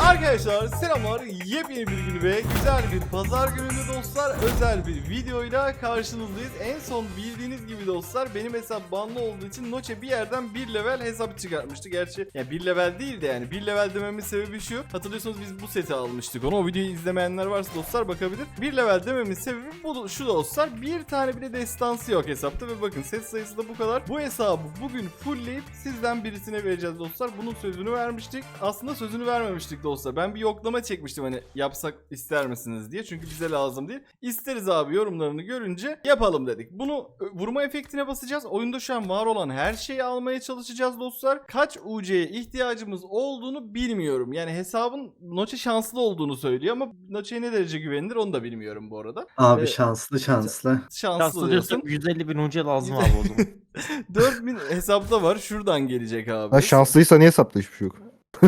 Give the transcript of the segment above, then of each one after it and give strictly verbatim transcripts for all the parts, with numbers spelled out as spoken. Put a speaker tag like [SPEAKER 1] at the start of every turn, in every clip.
[SPEAKER 1] Arkadaşlar selamlar, yepyeni bir gün ve güzel bir pazar gününde dostlar özel bir videoyla karşınızdayız. En son bildiğiniz gibi dostlar benim hesap banlı olduğu için Noche bir yerden bir level hesap çıkartmıştı. Gerçi yani bir level değil de yani bir level dememin sebebi şu. Hatırlıyorsunuz biz bu seti almıştık onu. O videoyu izlemeyenler varsa dostlar bakabilir. Bir level dememin sebebi bu, şu dostlar, bir tane bile destansı yok hesapta ve bakın set sayısı da bu kadar. Bu hesabı bugün fullleyip sizden birisine vereceğiz dostlar. Bunun sözünü vermiştik. Aslında sözünü vermemiştik dostlar. Ben bir yoklama çekmiştim hani yapsak ister misiniz diye. Çünkü bize lazım değil. İsteriz abi yorumlarını görünce yapalım dedik. Bunu vurma efektine basacağız. Oyunda şu an var olan her şeyi almaya çalışacağız dostlar. Kaç U C'ye ihtiyacımız olduğunu bilmiyorum. Yani hesabın Noche şanslı olduğunu söylüyor ama Noche'ye ne derece güvenilir onu da bilmiyorum bu arada.
[SPEAKER 2] Abi
[SPEAKER 1] Ee,
[SPEAKER 2] şanslı şanslı.
[SPEAKER 1] Şanslı
[SPEAKER 3] Şanslı
[SPEAKER 1] diyorsun.
[SPEAKER 3] diyorsak yüz elli bin U C lazım abi o zaman.
[SPEAKER 1] dört bin hesapta var. Şuradan gelecek abi.
[SPEAKER 4] Ha, şanslıysa niye hesapta hiçbir şey yok?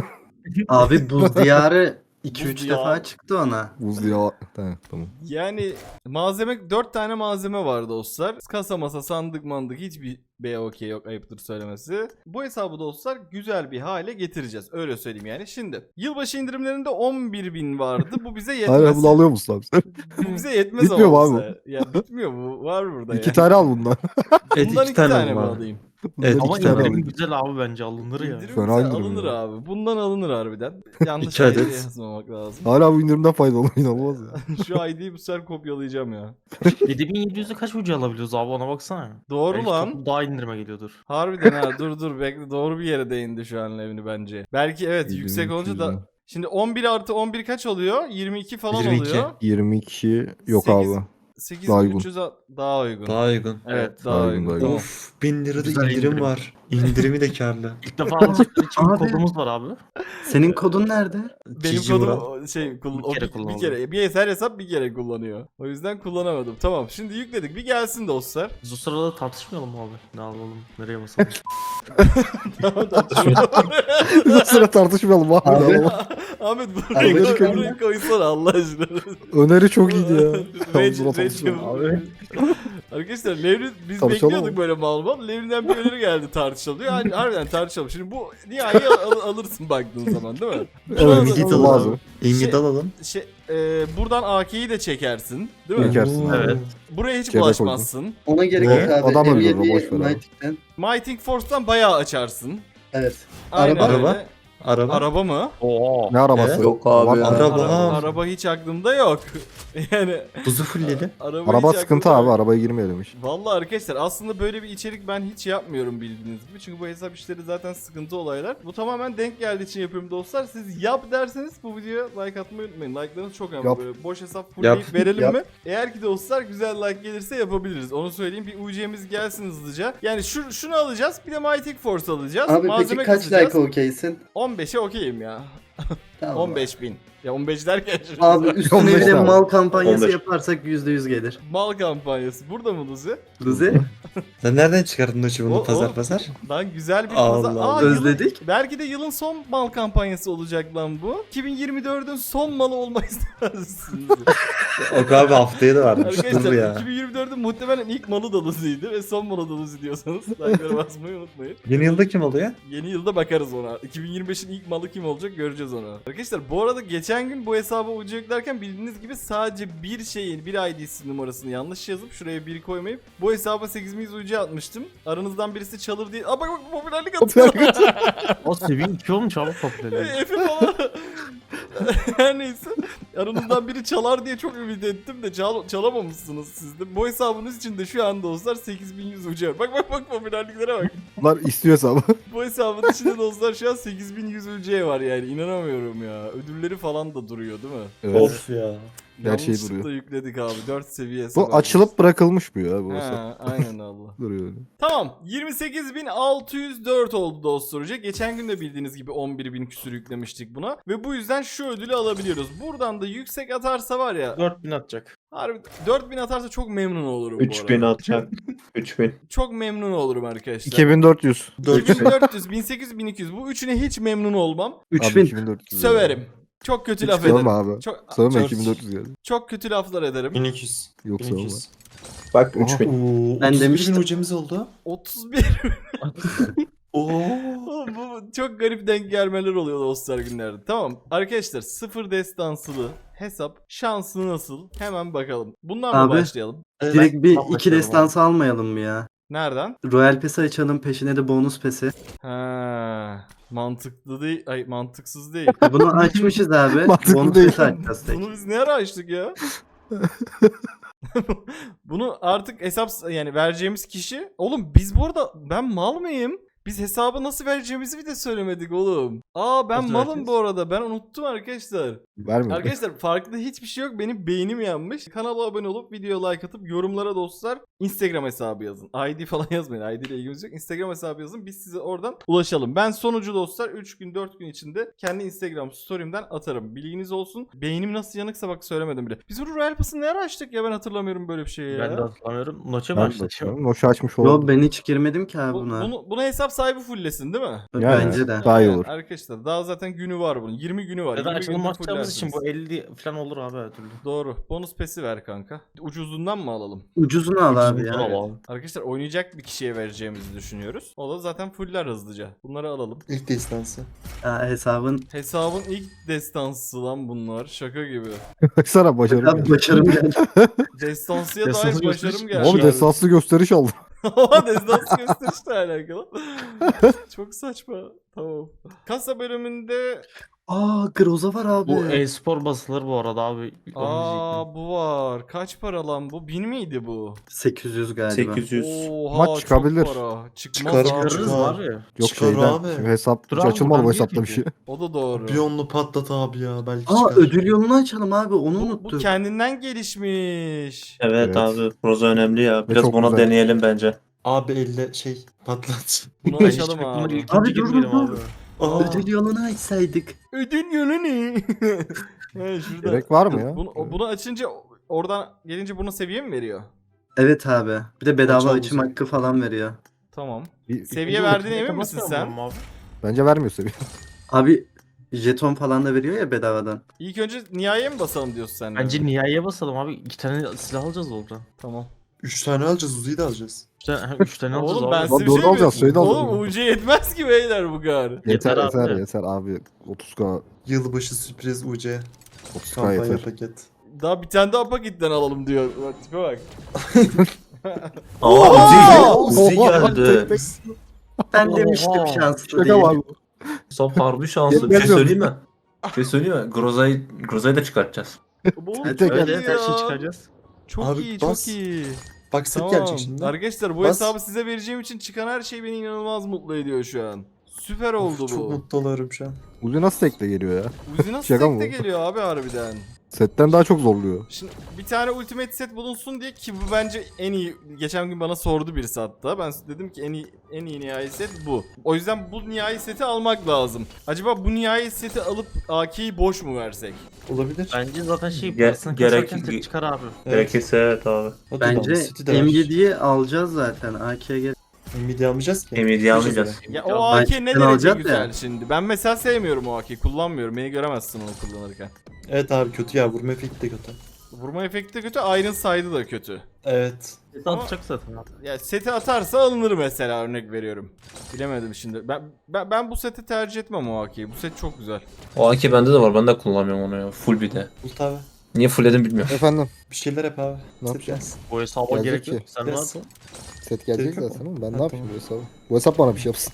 [SPEAKER 2] Abi buz diyarı iki üç
[SPEAKER 1] Buz diyarı.
[SPEAKER 2] defa çıktı ona.
[SPEAKER 4] Buz ya. Tamam, tamam.
[SPEAKER 1] Yani malzeme dört tane malzeme var dostlar. Kasa masa sandık mandık hiçbir B O K yok, ayıptır söylemesi. Bu hesabı dostlar güzel bir hale getireceğiz. Öyle söyleyeyim yani. Şimdi yılbaşı indirimlerinde on bir bin vardı. Bu bize
[SPEAKER 4] Hala
[SPEAKER 1] yetmez.
[SPEAKER 4] bunu alıyor musun abi sen?
[SPEAKER 1] Bu bize yetmez
[SPEAKER 4] Bitmiyor
[SPEAKER 1] ama
[SPEAKER 4] mu
[SPEAKER 1] olsa. Ya bitmiyor bu. Var burada
[SPEAKER 4] İki
[SPEAKER 1] yani.
[SPEAKER 4] tane al bundan.
[SPEAKER 2] Evet,
[SPEAKER 1] Bundan
[SPEAKER 2] iki
[SPEAKER 1] iki
[SPEAKER 2] tane
[SPEAKER 1] tane mi
[SPEAKER 2] var.
[SPEAKER 1] alayım?
[SPEAKER 4] Bundan
[SPEAKER 2] Evet,
[SPEAKER 3] Ama
[SPEAKER 4] iki tane
[SPEAKER 3] indirim
[SPEAKER 4] alayım.
[SPEAKER 3] güzel abi, bence alınır ya.
[SPEAKER 1] İndirim
[SPEAKER 4] Fena
[SPEAKER 1] bize
[SPEAKER 4] indirim
[SPEAKER 1] alınır
[SPEAKER 4] ya.
[SPEAKER 1] abi. Bundan alınır harbiden. Yanlış
[SPEAKER 2] İki
[SPEAKER 1] I D
[SPEAKER 2] adet.
[SPEAKER 1] yazmamak lazım.
[SPEAKER 4] Hala bu indirimden faydalanıyor, inanılmaz ya.
[SPEAKER 1] Şu I D'yi bu sefer kopyalayacağım ya.
[SPEAKER 3] yedi bin yedi yüz'e kaç U C alabiliyoruz abi, ona baksana.
[SPEAKER 1] Doğru
[SPEAKER 3] Belki
[SPEAKER 1] lan.
[SPEAKER 3] toplu daha indirime geliyordur.
[SPEAKER 1] Harbiden ha, dur dur bekle, doğru bir yere değindi şu an Levni bence. Belki evet yüksek olunca da
[SPEAKER 4] yüzden.
[SPEAKER 1] şimdi on bir artı on bir kaç oluyor? yirmi iki falan
[SPEAKER 2] yirmi iki.
[SPEAKER 1] oluyor.
[SPEAKER 4] yirmi iki yok
[SPEAKER 1] Sekiz-
[SPEAKER 4] abi.
[SPEAKER 1] sekiz
[SPEAKER 4] Daha
[SPEAKER 1] bin
[SPEAKER 4] uygun.
[SPEAKER 1] üç yüz a- daha uygun.
[SPEAKER 5] Daha uygun.
[SPEAKER 1] Evet daha,
[SPEAKER 4] Daha
[SPEAKER 1] uygun.
[SPEAKER 4] uygun, daha
[SPEAKER 1] Tamam.
[SPEAKER 4] uygun.
[SPEAKER 5] Of, bin lirada
[SPEAKER 3] Güzel
[SPEAKER 5] indirim,
[SPEAKER 3] indirim.
[SPEAKER 5] var. İndirimi de karlı.
[SPEAKER 3] İlk defa alacaklar için bir
[SPEAKER 2] Abi.
[SPEAKER 3] kodumuz var abi.
[SPEAKER 2] Senin kodun nerede?
[SPEAKER 1] Benim
[SPEAKER 5] Cici
[SPEAKER 1] kodum
[SPEAKER 5] Murat.
[SPEAKER 1] o- şey kullan
[SPEAKER 3] Bir
[SPEAKER 1] o
[SPEAKER 3] kere
[SPEAKER 1] bir, bir
[SPEAKER 3] kullanıldı.
[SPEAKER 1] kere bir her hesap bir kere kullanıyor. O yüzden kullanamadım. Tamam şimdi yükledik. Bir gelsin dostlar.
[SPEAKER 3] Biz o sırada tartışmayalım mı abi? Ne alalım, nereye basalım?
[SPEAKER 1] Tamam tartışalım.
[SPEAKER 4] Sıra tartışmayalım abi.
[SPEAKER 2] Abi.
[SPEAKER 4] Ama
[SPEAKER 1] Ahmet burayı,
[SPEAKER 2] Abi,
[SPEAKER 1] koy,
[SPEAKER 2] çıkalım.
[SPEAKER 1] burayı koysana Allah aşkına.
[SPEAKER 4] öneri çok iyiydi ya.
[SPEAKER 1] Rage-
[SPEAKER 4] Sıra
[SPEAKER 1] Rage-
[SPEAKER 4] tartışmayalım.
[SPEAKER 3] Abi.
[SPEAKER 1] Arkadaşlar Levni biz
[SPEAKER 4] Tartışalım
[SPEAKER 1] bekliyorduk
[SPEAKER 4] mı?
[SPEAKER 1] böyle mal mal. Levni'den bir öneri geldi tartışalım diyor. Yani harbiden tartışalım. Şimdi bu nihai al- al- alırsın baktığın zaman değil mi?
[SPEAKER 4] Evet,
[SPEAKER 5] Ümidi
[SPEAKER 4] lazım.
[SPEAKER 5] alalım. Ümidi
[SPEAKER 1] Şey-
[SPEAKER 5] alalım.
[SPEAKER 1] Şey, e, buradan A K'yi de çekersin. Değil mi?
[SPEAKER 4] Çekersin.
[SPEAKER 3] Evet.
[SPEAKER 1] Buraya hiç
[SPEAKER 4] Cebe
[SPEAKER 1] bulaşmazsın.
[SPEAKER 2] Ona gerek
[SPEAKER 5] Ne?
[SPEAKER 2] yok abi.
[SPEAKER 4] Adam
[SPEAKER 2] M
[SPEAKER 4] öldürdü,
[SPEAKER 2] yedi
[SPEAKER 4] boş ver abi.
[SPEAKER 2] Knight'ten.
[SPEAKER 1] Mighting Force'tan bayağı açarsın.
[SPEAKER 2] Evet.
[SPEAKER 1] Aynen
[SPEAKER 2] Araba?
[SPEAKER 1] öyle.
[SPEAKER 5] Araba? Araba.
[SPEAKER 1] Araba mı?
[SPEAKER 3] Oo.
[SPEAKER 4] Ne arabası?
[SPEAKER 5] Evet.
[SPEAKER 2] Yok abi
[SPEAKER 4] Var-
[SPEAKER 2] ya.
[SPEAKER 5] Araba.
[SPEAKER 1] Araba, araba hiç aklımda yok. Yani
[SPEAKER 5] Buzu fullledim.
[SPEAKER 1] araba,
[SPEAKER 4] Araba
[SPEAKER 1] hiç
[SPEAKER 4] sıkıntı
[SPEAKER 1] aklımda
[SPEAKER 4] abi,
[SPEAKER 1] yok.
[SPEAKER 4] arabaya girmeyelim hiç.
[SPEAKER 1] Vallahi arkadaşlar aslında böyle bir içerik ben hiç yapmıyorum bildiğiniz gibi. Çünkü bu hesap işleri zaten sıkıntı olaylar. Bu tamamen denk geldiği için yapıyorum dostlar. Siz yap derseniz bu videoya like atmayı unutmayın. Like'larınız çok önemli.
[SPEAKER 4] Yap.
[SPEAKER 1] Böyle boş hesap fullleyip
[SPEAKER 5] Yap.
[SPEAKER 1] verelim
[SPEAKER 2] Yap.
[SPEAKER 1] mi? Eğer ki dostlar güzel like gelirse yapabiliriz. Onu söyleyeyim. Bir U C'miz gelsin hızlıca. Yani şu, şunu alacağız. Bir de Mighty Force alacağız.
[SPEAKER 2] Abi
[SPEAKER 1] Malzeme
[SPEAKER 2] peki kaç
[SPEAKER 1] kasacağız.
[SPEAKER 2] like okeysin?
[SPEAKER 1] on beşe okeyim ya.
[SPEAKER 2] Tamam.
[SPEAKER 1] on beş bin. Ya on beş derken şimdi
[SPEAKER 2] Abi üstüne
[SPEAKER 4] on
[SPEAKER 2] bir
[SPEAKER 4] beş
[SPEAKER 2] de
[SPEAKER 4] abi.
[SPEAKER 2] mal kampanyası
[SPEAKER 5] on beş.
[SPEAKER 2] yaparsak yüzde yüz gelir.
[SPEAKER 1] mal kampanyası. Burada mı Luzi?
[SPEAKER 2] Luzi
[SPEAKER 5] Sen nereden çıkardın Noçi
[SPEAKER 1] O-
[SPEAKER 5] bunu
[SPEAKER 1] o-
[SPEAKER 5] pazar pazar?
[SPEAKER 1] Lan güzel bir
[SPEAKER 5] Allah
[SPEAKER 1] pazar.
[SPEAKER 5] Allah.
[SPEAKER 1] Aa, yılın-
[SPEAKER 2] özledik.
[SPEAKER 1] belki de yılın son mal kampanyası olacak lan bu. iki bin yirmi dördün son malı olmayı istemezsiniz.
[SPEAKER 5] O abi haftaya da varmış. Dur
[SPEAKER 1] Arkadaşlar
[SPEAKER 5] ya.
[SPEAKER 1] iki bin yirmi dördün muhtemelen ilk malı da Luzi'ydi ve son malı da Luzi diyorsanız like'lara basmayı unutmayın.
[SPEAKER 5] Yeni yılda kim oluyor?
[SPEAKER 1] Yeni yılda bakarız ona. iki bin yirmi beşin ilk malı kim olacak göreceğiz onu. Arkadaşlar bu arada geçen gün bu hesaba ucu yüklerken bildiğiniz gibi sadece bir şeyin bir I D'si numarasını yanlış yazıp şuraya bir koymayıp bu hesaba sekiz bin yüz ucu atmıştım. Aranızdan birisi çalır diye. Aa bak bak popülerlik atıyor.
[SPEAKER 3] O seviye iki olmuş abi popülerliği.
[SPEAKER 1] Efe falan. Her neyse. Aranızdan biri çalar diye çok ümit ettim de çal çalamamışsınız siz de. Bu hesabınız için de şu an dostlar sekiz bin yüz ucu var. Bak bak bak popülerliklere bak.
[SPEAKER 4] Bunlar istiyor hesabı.
[SPEAKER 1] Bu hesabın içinde dostlar şu an sekiz bin yüz ucu var yani inanamıyorum ya. Ödülleri falan da duruyor değil mi?
[SPEAKER 4] Evet.
[SPEAKER 5] Of ya.
[SPEAKER 4] Her şey
[SPEAKER 1] Yanlışlıkla
[SPEAKER 4] duruyor.
[SPEAKER 1] yükledik abi. dört seviye hesap.
[SPEAKER 4] Bu açılıp bırakılmış bu ya bu hesap.
[SPEAKER 1] Ha, aynen Allah.
[SPEAKER 4] Duruyor öyle.
[SPEAKER 1] Tamam. yirmi sekiz bin altı yüz dört oldu dostlar hoca. Geçen gün de bildiğiniz gibi on bir bin küsür yüklemiştik buna. Ve bu yüzden şu ödülü alabiliyoruz. Buradan da yüksek atarsa var ya.
[SPEAKER 3] dört bin atacak.
[SPEAKER 1] Harbi dört bin atarsa çok memnun olurum bu
[SPEAKER 5] üç bin
[SPEAKER 1] arada.
[SPEAKER 5] atacak. üç bin.
[SPEAKER 1] Çok memnun olurum arkadaşlar.
[SPEAKER 4] iki bin dört yüz.
[SPEAKER 1] iki bin dört yüz, bin sekiz yüz, bin iki yüz. Bu üçüne hiç memnun olmam.
[SPEAKER 4] Abi
[SPEAKER 2] üç bin.
[SPEAKER 4] iki bin dört yüz.
[SPEAKER 1] Söverim. Çok kötü laf
[SPEAKER 4] Sövme
[SPEAKER 1] ederim.
[SPEAKER 4] abi.
[SPEAKER 1] Çok,
[SPEAKER 4] Sövme
[SPEAKER 1] çok,
[SPEAKER 4] iki bin dört yüz geldi.
[SPEAKER 1] çok kötü laflar ederim.
[SPEAKER 5] bin iki yüz.
[SPEAKER 4] Yok
[SPEAKER 5] bin
[SPEAKER 4] sövme.
[SPEAKER 5] iki yüz. Bak
[SPEAKER 4] Oha.
[SPEAKER 5] üç bin. Oo,
[SPEAKER 2] Ben
[SPEAKER 5] otuz bir
[SPEAKER 2] demiştim.
[SPEAKER 5] bin ucumuz oldu.
[SPEAKER 1] otuz bir. Oğlum bu çok garip denk gelmeler oluyor dostlar günlerde. Tamam arkadaşlar, sıfır destansılı hesap şansı nasıl? Hemen bakalım. Bundan mı
[SPEAKER 2] Abi.
[SPEAKER 1] başlayalım?
[SPEAKER 2] Direkt bir
[SPEAKER 3] Tam
[SPEAKER 2] iki
[SPEAKER 3] başlayalım
[SPEAKER 2] destansı almayalım mı ya?
[SPEAKER 1] Nereden?
[SPEAKER 2] Royal Pass'i açalım, peşine de bonus pesi.
[SPEAKER 1] Ha, mantıklı değil. Ay mantıksız değil.
[SPEAKER 2] E bunu açmışız abi.
[SPEAKER 4] Mantıklı
[SPEAKER 2] bonus
[SPEAKER 4] değil.
[SPEAKER 2] pesi açacağız tek.
[SPEAKER 1] Bunu biz ne ara açtık ya? Bunu artık hesap yani vereceğimiz kişi. Oğlum biz bu arada, ben mal mıyım? Biz hesabı nasıl vereceğimizi bir de söylemedik oğlum. Aa ben
[SPEAKER 3] Nasıl
[SPEAKER 1] malım
[SPEAKER 3] vereceğiz?
[SPEAKER 1] bu arada. Ben unuttum arkadaşlar.
[SPEAKER 4] Vermiyor.
[SPEAKER 1] Arkadaşlar farklı hiçbir şey yok. Benim beynim yanmış. Kanala abone olup videoya like atıp yorumlara dostlar Instagram hesabı yazın. I D falan yazmayın. I D ile ilgimiz yok. Instagram hesabı yazın. Biz size oradan ulaşalım. Ben sonucu dostlar üç gün dört gün içinde kendi Instagram story'imden atarım. Bilginiz olsun. Beynim nasıl yanıksa bak söylemedim bile. Biz bu Royal Pass'ı ne ara açtık ya, ben hatırlamıyorum böyle bir şeyi ya.
[SPEAKER 3] Ben de hatırlamıyorum. Noç'a
[SPEAKER 4] Ben
[SPEAKER 3] başladı.
[SPEAKER 4] bakıyorum. Noşu açmış
[SPEAKER 2] Yo
[SPEAKER 4] olabilir.
[SPEAKER 2] ben hiç girmedim ki abi
[SPEAKER 1] Bu,
[SPEAKER 2] buna.
[SPEAKER 1] bunu, buna hesap sahibi fulllesin değil mi?
[SPEAKER 4] Yani,
[SPEAKER 2] Bence de.
[SPEAKER 4] Daha iyi
[SPEAKER 1] Aynen
[SPEAKER 4] olur.
[SPEAKER 1] Arkadaşlar daha zaten günü var bunun. yirmi günü var.
[SPEAKER 3] Ya da
[SPEAKER 1] yirmi
[SPEAKER 3] açılım
[SPEAKER 1] günde
[SPEAKER 3] açacağımız için bu
[SPEAKER 1] fullersiniz.
[SPEAKER 3] elli falan olur abi her türlü.
[SPEAKER 1] Doğru. Bonus pesi ver kanka. Ucuzundan mı alalım?
[SPEAKER 2] Ucuzunu al abi
[SPEAKER 3] Ucuzunu
[SPEAKER 2] ya.
[SPEAKER 3] al abi.
[SPEAKER 1] Arkadaşlar oynayacak bir kişiye vereceğimizi düşünüyoruz. O da zaten fuller hızlıca. Bunları alalım.
[SPEAKER 5] İlk destansı.
[SPEAKER 2] Ya hesabın
[SPEAKER 1] Hesabın ilk destansı lan bunlar. Şaka gibi.
[SPEAKER 4] Baksana başarım.
[SPEAKER 2] abi başarım geldi.
[SPEAKER 1] Destansıya
[SPEAKER 3] Destansı
[SPEAKER 1] dair başarım
[SPEAKER 3] gösteriş-
[SPEAKER 1] geldi.
[SPEAKER 4] Abi desanslı gösteriş aldı.
[SPEAKER 1] Ama destansı gösterişle alakalı. Çok saçma. Tamam. Kasa bölümünde
[SPEAKER 2] Aa Groza var abi.
[SPEAKER 3] Bu e-spor basılır bu arada abi. Onu diyecektim.
[SPEAKER 1] aa bu var. Kaç para lan bu? bin miydi bu?
[SPEAKER 2] sekiz yüz galiba.
[SPEAKER 5] sekiz yüz.
[SPEAKER 1] Oha
[SPEAKER 4] Maç
[SPEAKER 1] çok
[SPEAKER 4] çıkabilir.
[SPEAKER 1] para. Çıkmaz
[SPEAKER 5] Çıkar,
[SPEAKER 1] abi.
[SPEAKER 3] Çıkarırız
[SPEAKER 5] Çıkar.
[SPEAKER 3] abi.
[SPEAKER 4] Yok
[SPEAKER 5] Çıkar
[SPEAKER 4] şeyden.
[SPEAKER 5] abi.
[SPEAKER 4] Şimdi hesap
[SPEAKER 3] Dur
[SPEAKER 4] hiç
[SPEAKER 3] abi,
[SPEAKER 4] açılmadı
[SPEAKER 3] ben
[SPEAKER 4] bu
[SPEAKER 3] değil
[SPEAKER 4] hesapta bir
[SPEAKER 3] ki.
[SPEAKER 4] şey.
[SPEAKER 1] O da doğru.
[SPEAKER 5] Biyonlu patlat abi ya belki
[SPEAKER 2] Aa
[SPEAKER 5] çıkar.
[SPEAKER 2] ödül yolunu açalım abi, onu
[SPEAKER 1] Bu, bu
[SPEAKER 2] unuttuk.
[SPEAKER 1] kendinden gelişmiş.
[SPEAKER 5] Evet,
[SPEAKER 4] Evet.
[SPEAKER 5] abi. Roza önemli ya. Biraz
[SPEAKER 4] çok
[SPEAKER 5] buna
[SPEAKER 4] güzel.
[SPEAKER 5] deneyelim bence. Abi elle şey patlat.
[SPEAKER 1] Bunu
[SPEAKER 3] Ben
[SPEAKER 1] açalım
[SPEAKER 3] hiç
[SPEAKER 1] abi.
[SPEAKER 3] ilk
[SPEAKER 2] Abi
[SPEAKER 3] önce
[SPEAKER 2] dur,
[SPEAKER 3] girmeyelim
[SPEAKER 2] dur,
[SPEAKER 3] abi.
[SPEAKER 5] Aa,
[SPEAKER 2] Ödül yolunu açsaydık.
[SPEAKER 1] Ödül yolu ne? He, şurada.
[SPEAKER 4] Gerek var mı ya?
[SPEAKER 1] Bunu, bunu açınca oradan gelince bunu seviye mi veriyor?
[SPEAKER 2] Evet abi. Bir de bedava
[SPEAKER 5] Açalım
[SPEAKER 2] açım
[SPEAKER 5] bize.
[SPEAKER 2] hakkı falan veriyor.
[SPEAKER 1] Tamam.
[SPEAKER 4] Bir-
[SPEAKER 1] Seviye
[SPEAKER 3] Önce
[SPEAKER 1] verdiğine
[SPEAKER 3] ultimate
[SPEAKER 1] emin misin
[SPEAKER 3] basmıyor
[SPEAKER 1] sen?
[SPEAKER 3] mu abi?
[SPEAKER 4] Bence vermiyor seviye.
[SPEAKER 2] Abi jeton falan da veriyor ya bedavadan.
[SPEAKER 1] İlk önce nihaiye mi basalım diyorsun sen? de?
[SPEAKER 3] Bence nihaiye basalım abi. İki tane silah alacağız oradan.
[SPEAKER 1] Tamam.
[SPEAKER 5] üç tane alacağız, Uzi'yi de alacağız.
[SPEAKER 3] Üç tane, üç tane alacağız
[SPEAKER 1] Oğlum
[SPEAKER 3] abi.
[SPEAKER 1] ben
[SPEAKER 4] Lan
[SPEAKER 1] size bir
[SPEAKER 4] doğru
[SPEAKER 1] şey
[SPEAKER 4] alacağız,
[SPEAKER 1] mi?
[SPEAKER 4] şeyi de alacağız.
[SPEAKER 1] Oğlum U C yetmez ki beyler bu kadar.
[SPEAKER 4] Yeter
[SPEAKER 3] Yeter abi.
[SPEAKER 4] yeter yeter abi. otuz K
[SPEAKER 5] Yılbaşı sürpriz U C.
[SPEAKER 4] otuz K
[SPEAKER 5] Kampanya
[SPEAKER 4] yeter.
[SPEAKER 5] paket.
[SPEAKER 1] Daha bir tane daha pakitten alalım diyor. Bak tipe bak.
[SPEAKER 5] Aa Uzi, Uzi
[SPEAKER 4] Oha!
[SPEAKER 5] geldi.
[SPEAKER 2] Ben
[SPEAKER 3] Oha.
[SPEAKER 2] demiştim şanslı
[SPEAKER 4] Şaka
[SPEAKER 2] değil.
[SPEAKER 4] var bu.
[SPEAKER 6] Son harbi şanslı. Bir
[SPEAKER 4] Yetmez
[SPEAKER 6] şey
[SPEAKER 4] yok.
[SPEAKER 6] söyleyeyim mi? Bir şey söyleyeyim mi? Groza'yı Groza'yı da çıkartacağız.
[SPEAKER 1] Oğlum
[SPEAKER 2] Evet,
[SPEAKER 1] çok
[SPEAKER 3] Evet
[SPEAKER 1] iyi
[SPEAKER 3] evet her şeyi
[SPEAKER 1] ya.
[SPEAKER 3] çıkaracağız.
[SPEAKER 1] Çok
[SPEAKER 5] Abi
[SPEAKER 1] iyi
[SPEAKER 5] bas.
[SPEAKER 1] çok iyi.
[SPEAKER 5] Bak set
[SPEAKER 1] Tamam.
[SPEAKER 5] gelecek şimdi.
[SPEAKER 1] Arkadaşlar bu
[SPEAKER 5] Bas.
[SPEAKER 1] hesabı size vereceğim için çıkan her şey beni inanılmaz mutlu ediyor şu an. Süper oldu
[SPEAKER 5] Of, çok
[SPEAKER 1] bu.
[SPEAKER 5] mutlu oluyorum şu an.
[SPEAKER 4] Uzi nasıl tekle geliyor ya?
[SPEAKER 1] Uzi nasıl
[SPEAKER 4] Şaka mı
[SPEAKER 1] tekte
[SPEAKER 4] bu?
[SPEAKER 1] geliyor abi harbiden.
[SPEAKER 4] Setten daha çok zorluyor.
[SPEAKER 1] Şimdi bir tane ultimate set bulunsun diye, ki bu bence en iyi, geçen gün bana sordu birisi hatta. Ben dedim ki en iyi en iyi nihai set bu. O yüzden bu nihai seti almak lazım. Acaba bu nihai seti alıp A K'yi boş mu versek?
[SPEAKER 5] Olabilir.
[SPEAKER 3] Bence zaten şey
[SPEAKER 6] Ge-
[SPEAKER 3] parasını
[SPEAKER 6] gerek-
[SPEAKER 3] kasarken tek çıkar abi.
[SPEAKER 6] Gerekirse evet abi.
[SPEAKER 5] Hadi
[SPEAKER 2] Bence
[SPEAKER 5] lan, City de var.
[SPEAKER 2] M yediyi alacağız zaten. A K'ye gel.
[SPEAKER 5] Nvidia almayacağız ki.
[SPEAKER 6] Nvidia almayacağız.
[SPEAKER 1] Ya o A K ne
[SPEAKER 2] Ben
[SPEAKER 1] derece
[SPEAKER 2] alacağım
[SPEAKER 1] güzel
[SPEAKER 2] ya.
[SPEAKER 1] şimdi. Ben mesela sevmiyorum o A K'yi. Kullanmıyorum. Beni göremezsin onu kullanırken.
[SPEAKER 5] Evet abi kötü ya, vurma efekti de kötü.
[SPEAKER 1] Vurma efekti de kötü. Iron side'ı da kötü.
[SPEAKER 5] Evet.
[SPEAKER 1] Ama-
[SPEAKER 3] Atacak zaten abi.
[SPEAKER 1] Ya seti atarsa alınır mesela, örnek veriyorum. Bilemedim şimdi. Ben ben, ben bu seti tercih etmem o A K'yi. Bu set çok güzel.
[SPEAKER 6] O A K bende de var. Ben de kullanmıyorum onu ya. Full bir de.
[SPEAKER 5] Ult abi.
[SPEAKER 6] Niye fullledim bilmiyorum.
[SPEAKER 4] Efendim
[SPEAKER 5] Bir şeyler yap abi.
[SPEAKER 4] Ne
[SPEAKER 5] Set
[SPEAKER 4] yapacağız?
[SPEAKER 5] gelsin.
[SPEAKER 3] Bu hesaba
[SPEAKER 4] Gelecek
[SPEAKER 3] gerek
[SPEAKER 4] ki.
[SPEAKER 3] yok. Sen ne
[SPEAKER 5] Gelsin.
[SPEAKER 3] yaptın?
[SPEAKER 4] set gelecek
[SPEAKER 5] Gerek yok
[SPEAKER 4] zaten
[SPEAKER 5] mu?
[SPEAKER 4] oğlum. Ben
[SPEAKER 5] Ha,
[SPEAKER 4] ne yapayım
[SPEAKER 5] tamam.
[SPEAKER 4] bu hesabı? Bu hesap bana bir şey yapsın.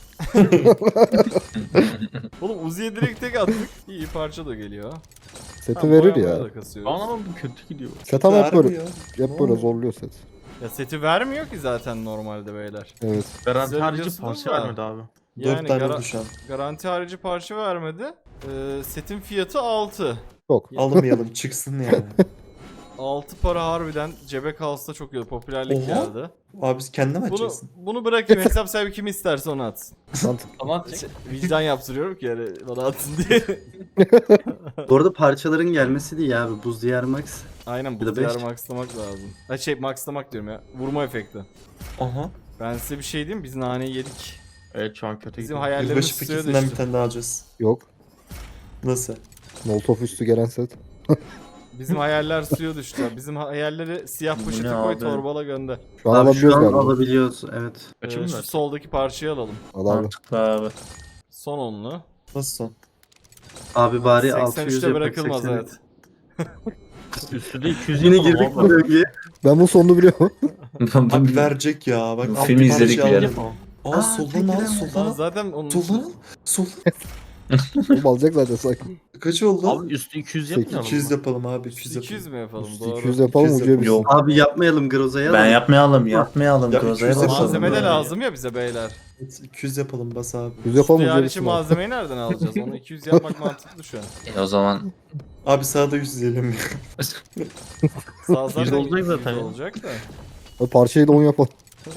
[SPEAKER 1] Oğlum Uzi'ye direkt tek attık. İyi parça da geliyor.
[SPEAKER 4] Seti
[SPEAKER 1] Tamam,
[SPEAKER 4] verir
[SPEAKER 1] boyamaya
[SPEAKER 4] ya.
[SPEAKER 1] da kasıyoruz.
[SPEAKER 3] Bana ama bu kötü gidiyor.
[SPEAKER 4] Set ama hep böyle,
[SPEAKER 5] Vermiyor.
[SPEAKER 4] hep böyle zorluyor set.
[SPEAKER 1] Ya seti vermiyor ki zaten normalde beyler.
[SPEAKER 4] Evet.
[SPEAKER 3] Garanti
[SPEAKER 1] Güzel
[SPEAKER 3] harici
[SPEAKER 1] diyorsunuz
[SPEAKER 3] parça
[SPEAKER 1] da.
[SPEAKER 3] vermedi abi.
[SPEAKER 1] Yani
[SPEAKER 5] Dört tane
[SPEAKER 1] gara-
[SPEAKER 5] oldu şu an.
[SPEAKER 1] garanti harici parça vermedi. Ee, setin fiyatı altı.
[SPEAKER 4] Çok.
[SPEAKER 5] Almayalım çıksın yani.
[SPEAKER 1] altı para harbiden cebe kalsa çok iyi. Popülerlik
[SPEAKER 5] Oha.
[SPEAKER 1] geldi.
[SPEAKER 5] Abi biz kendine mi
[SPEAKER 1] Bunu
[SPEAKER 5] açacaksın?
[SPEAKER 1] bunu bırakayım, hesap sahibi kim isterse onu atsın.
[SPEAKER 4] Mantıklı.
[SPEAKER 3] Ama
[SPEAKER 1] Şey, vicdan yaptırıyorum ki yani bana atsın diye.
[SPEAKER 2] Bu arada parçaların gelmesi değil abi. Buz diyar max.
[SPEAKER 1] Aynen
[SPEAKER 2] Bir de
[SPEAKER 1] bu diyarı
[SPEAKER 2] beş.
[SPEAKER 1] maxlamak lazım. Ha şey maxlamak diyorum ya. Vurma efekti.
[SPEAKER 5] Aha.
[SPEAKER 1] Ben size bir şey diyeyim, biz naneyi yedik.
[SPEAKER 3] evet şu an kötü
[SPEAKER 1] Bizim
[SPEAKER 3] gidiyor.
[SPEAKER 1] hayallerimiz
[SPEAKER 5] Yılbaşı
[SPEAKER 1] suya
[SPEAKER 5] paketinden bir
[SPEAKER 1] düştü.
[SPEAKER 5] tane daha alacağız.
[SPEAKER 4] Yok.
[SPEAKER 5] Nasıl?
[SPEAKER 4] Molotov üstü gelen set.
[SPEAKER 1] Bizim hayaller suya düştü. ya. Bizim hayalleri siyah
[SPEAKER 3] Bu
[SPEAKER 1] poşete
[SPEAKER 3] ne
[SPEAKER 1] koy
[SPEAKER 3] abi?
[SPEAKER 1] torbala gönder.
[SPEAKER 4] Şu an
[SPEAKER 2] Abi
[SPEAKER 4] alabiliyoruz
[SPEAKER 2] şu an
[SPEAKER 4] galiba.
[SPEAKER 2] alabiliyoruz. Evet.
[SPEAKER 1] Ee,
[SPEAKER 3] Açayım
[SPEAKER 1] şu
[SPEAKER 3] mı?
[SPEAKER 1] soldaki parçayı alalım.
[SPEAKER 4] Al abi.
[SPEAKER 6] Mantıklı abi.
[SPEAKER 1] Son onlu.
[SPEAKER 5] Nasıl son?
[SPEAKER 2] Abi bari altı
[SPEAKER 1] seksen
[SPEAKER 2] yüz
[SPEAKER 1] üçte
[SPEAKER 2] yapak.
[SPEAKER 1] bırakılmaz
[SPEAKER 2] seksen.
[SPEAKER 1] evet.
[SPEAKER 3] Üstü de iki yüz
[SPEAKER 2] Yine
[SPEAKER 3] yapalım
[SPEAKER 2] girdik bu
[SPEAKER 3] abi.
[SPEAKER 2] bölgeye.
[SPEAKER 4] Ben bu sonunu biliyorum.
[SPEAKER 5] Abi verecek ya. Bak
[SPEAKER 6] Bu
[SPEAKER 5] alt
[SPEAKER 6] filmi
[SPEAKER 5] bir parça
[SPEAKER 6] izledik
[SPEAKER 5] aldım.
[SPEAKER 6] bilelim.
[SPEAKER 5] Aa,
[SPEAKER 2] Aa,
[SPEAKER 5] soldan
[SPEAKER 2] tek
[SPEAKER 5] al
[SPEAKER 2] giden
[SPEAKER 5] soldan
[SPEAKER 1] Aa,
[SPEAKER 5] al.
[SPEAKER 1] zaten onun
[SPEAKER 5] Soldan al. Soldan.
[SPEAKER 4] Oğlum alacak zaten sanki.
[SPEAKER 5] Kaç oldu?
[SPEAKER 3] Abi üstü iki yüz yapmayalım
[SPEAKER 5] iki yüz
[SPEAKER 3] mı?
[SPEAKER 5] yapalım abi. iki yüz yapalım.
[SPEAKER 1] iki yüz mü yapalım?
[SPEAKER 4] Üstü
[SPEAKER 1] Doğru.
[SPEAKER 4] iki yüz yapalım
[SPEAKER 5] iki yüz
[SPEAKER 4] ucuya
[SPEAKER 5] yapalım.
[SPEAKER 4] bitsin.
[SPEAKER 6] Yok.
[SPEAKER 2] Abi yapmayalım Groza'ya
[SPEAKER 6] Ben
[SPEAKER 2] alalım.
[SPEAKER 6] yapmayalım yapmayalım.
[SPEAKER 5] Ya,
[SPEAKER 6] Groza'ya
[SPEAKER 5] iki yüz
[SPEAKER 6] basalım.
[SPEAKER 1] Malzeme de
[SPEAKER 6] ya.
[SPEAKER 1] lazım ya bize beyler.
[SPEAKER 5] Evet, iki yüz yapalım bas abi.
[SPEAKER 4] yüz yapalım
[SPEAKER 1] Diyar
[SPEAKER 4] ucuya
[SPEAKER 1] için
[SPEAKER 4] bitsin. abi.
[SPEAKER 1] malzemeyi nereden alacağız? Onu iki yüz yapmak mantıklı şu an.
[SPEAKER 6] E, o zaman
[SPEAKER 5] Abi sağda yüz diyelim.
[SPEAKER 1] Sağ zaten
[SPEAKER 3] yüz olacak
[SPEAKER 1] yüz
[SPEAKER 3] zaten ya.
[SPEAKER 1] olacak da.
[SPEAKER 4] Abi parçayı da on yapalım.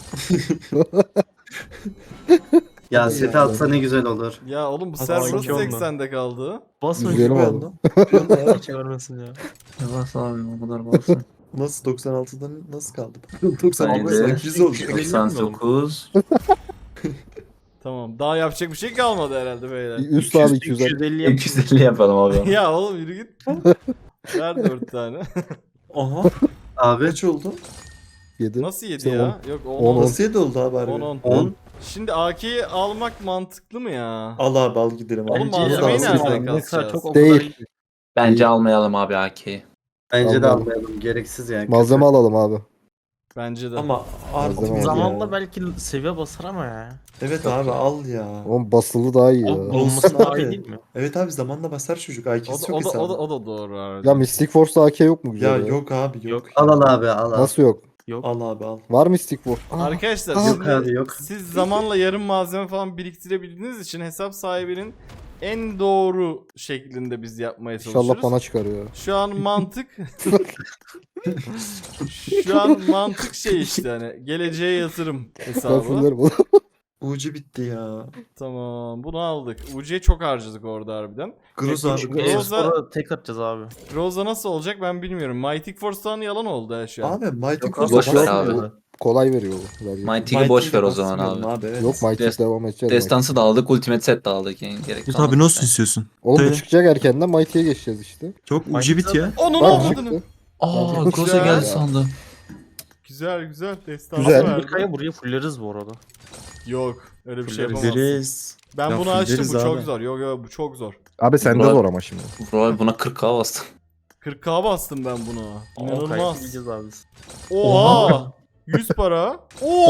[SPEAKER 2] Ya
[SPEAKER 5] Hadi
[SPEAKER 2] seti
[SPEAKER 5] ya.
[SPEAKER 2] atsa ne güzel olur.
[SPEAKER 1] Ya oğlum bu
[SPEAKER 5] Hadi
[SPEAKER 1] server
[SPEAKER 3] sanki onunla.
[SPEAKER 1] seksende kaldı.
[SPEAKER 3] Basma
[SPEAKER 4] Yüzleyelim
[SPEAKER 3] gibi
[SPEAKER 4] abi.
[SPEAKER 3] oldu. Hiç görmesin ya.
[SPEAKER 6] Yavaş abi o kadar basın.
[SPEAKER 5] Nasıl doksan altıdan nasıl kaldı? doksan
[SPEAKER 6] Bence
[SPEAKER 5] altıdan iki yüz oldu.
[SPEAKER 6] doksan dokuz.
[SPEAKER 1] Tamam. Daha yapacak bir şey kalmadı herhalde beyler.
[SPEAKER 4] Üst abi iki yüz.
[SPEAKER 3] iki yüz elli yap.
[SPEAKER 6] iki yüz elli yapalım abi.
[SPEAKER 1] Ya oğlum yürü git. Ver dört tane.
[SPEAKER 5] Aha.
[SPEAKER 2] Abi
[SPEAKER 5] Kaç oldu?
[SPEAKER 4] yedi.
[SPEAKER 1] Nasıl yedi
[SPEAKER 4] Sen
[SPEAKER 1] ya? Yok on
[SPEAKER 4] on,
[SPEAKER 1] on.
[SPEAKER 5] Nasıl yedi oldu abi harbi?
[SPEAKER 1] on on.
[SPEAKER 2] on.
[SPEAKER 1] Şimdi A K'yi almak mantıklı mı ya?
[SPEAKER 5] Al abi al gidelim abi.
[SPEAKER 1] Oğlum
[SPEAKER 3] Bence
[SPEAKER 1] malzemeyi
[SPEAKER 3] alsın
[SPEAKER 1] nereden
[SPEAKER 3] abi. Ne kadar
[SPEAKER 1] kasacağız?
[SPEAKER 3] çok o
[SPEAKER 4] Değil.
[SPEAKER 3] kadar iyi.
[SPEAKER 6] Bence almayalım abi A K'yi.
[SPEAKER 2] Bence de
[SPEAKER 4] Almayalım.
[SPEAKER 2] almayalım. Gereksiz yani.
[SPEAKER 4] Malzeme alalım abi.
[SPEAKER 1] Bence de.
[SPEAKER 5] Ama artık
[SPEAKER 4] Malzeme
[SPEAKER 5] ya.
[SPEAKER 3] Zamanla belki seviye basar ama ya.
[SPEAKER 5] Evet abi al ya.
[SPEAKER 4] Oğlum basılı daha iyi ya.
[SPEAKER 3] O olması daha iyi
[SPEAKER 5] abi.
[SPEAKER 3] değil mi?
[SPEAKER 5] Evet abi zamanla basar çocuk.
[SPEAKER 1] O
[SPEAKER 5] I Q'si
[SPEAKER 1] da,
[SPEAKER 5] çok
[SPEAKER 1] o, da, o, da,
[SPEAKER 5] hesabı.
[SPEAKER 1] o da doğru abi.
[SPEAKER 4] Ya Mystic Force'da A K yok mu
[SPEAKER 5] Ya
[SPEAKER 4] güzel?
[SPEAKER 5] yok abi yok.
[SPEAKER 3] Yok.
[SPEAKER 2] Al al abi al al.
[SPEAKER 4] Nasıl yok?
[SPEAKER 3] Yok.
[SPEAKER 5] Al abi al.
[SPEAKER 4] Var Mystic Force. Aa,
[SPEAKER 1] Arkadaşlar
[SPEAKER 4] Aa.
[SPEAKER 1] şimdi
[SPEAKER 2] Yok abi, yok.
[SPEAKER 1] siz zamanla yarım malzeme falan biriktirebildiğiniz için hesap sahibinin en doğru şeklinde biz yapmaya çalışıyoruz.
[SPEAKER 4] İnşallah bana çıkar ya.
[SPEAKER 1] Şu an mantık Şu an mantık şey işte hani geleceğe yatırım
[SPEAKER 4] Ben
[SPEAKER 1] hesabı.
[SPEAKER 4] fullerim oğlum.
[SPEAKER 5] Ucu bitti ya.
[SPEAKER 1] Tamam bunu aldık. U C'ye çok harcadık orada harbiden.
[SPEAKER 5] Groz
[SPEAKER 1] Peki,
[SPEAKER 5] abi.
[SPEAKER 1] şu
[SPEAKER 5] Groz.
[SPEAKER 1] Groza-
[SPEAKER 3] Espor'a tek atacağız abi.
[SPEAKER 1] Rosa nasıl olacak ben bilmiyorum. Mighty Force'tan yalan oldu ha şu an.
[SPEAKER 5] Abi Mighty
[SPEAKER 6] Yok,
[SPEAKER 5] Groz
[SPEAKER 6] boş ver
[SPEAKER 5] basmıyor
[SPEAKER 6] abi.
[SPEAKER 5] mu?
[SPEAKER 4] Kolay veriyor bu. Vergi.
[SPEAKER 6] Mighty'yi boş ver
[SPEAKER 5] Mighty'yi
[SPEAKER 6] o zaman
[SPEAKER 5] basmıyorum
[SPEAKER 6] abi.
[SPEAKER 5] abi evet.
[SPEAKER 4] Yok Mighty
[SPEAKER 6] Dest-
[SPEAKER 4] devam edeceğiz.
[SPEAKER 6] Destansı da aldık, Ultimate Set de aldık yani gerek
[SPEAKER 7] Yut
[SPEAKER 6] kalmadı.
[SPEAKER 7] abi nasıl istiyorsun?
[SPEAKER 4] Oğlum bu
[SPEAKER 7] Söyle.
[SPEAKER 4] çıkacak erkenden Mighty'ye geçeceğiz işte.
[SPEAKER 7] Çok ucu bit ya.
[SPEAKER 1] Onun
[SPEAKER 4] Bak
[SPEAKER 1] olmadığını.
[SPEAKER 4] çıktı.
[SPEAKER 6] Aa,
[SPEAKER 4] Güzel.
[SPEAKER 6] Groza geldi sandım.
[SPEAKER 1] Güzel güzel. Destansı
[SPEAKER 4] Güzel.
[SPEAKER 1] verdi.
[SPEAKER 3] Amerika'ya buraya fulleriz bu arada.
[SPEAKER 1] Yok öyle bir şey
[SPEAKER 3] Fulleriz.
[SPEAKER 1] yapamazsın.
[SPEAKER 7] Deriz.
[SPEAKER 1] Ben
[SPEAKER 7] Ya
[SPEAKER 1] bunu açtım
[SPEAKER 7] fulleriz
[SPEAKER 1] bu çok
[SPEAKER 7] abi.
[SPEAKER 1] zor. Yok yok bu çok zor.
[SPEAKER 4] Abi sende
[SPEAKER 6] Burak-
[SPEAKER 4] zor ama şimdi.
[SPEAKER 6] Bro buna kırk K bastım.
[SPEAKER 1] kırk K bastım ben bunu. İnanılmaz.
[SPEAKER 3] Gideceğiz abi biz.
[SPEAKER 1] Oha. yüz para.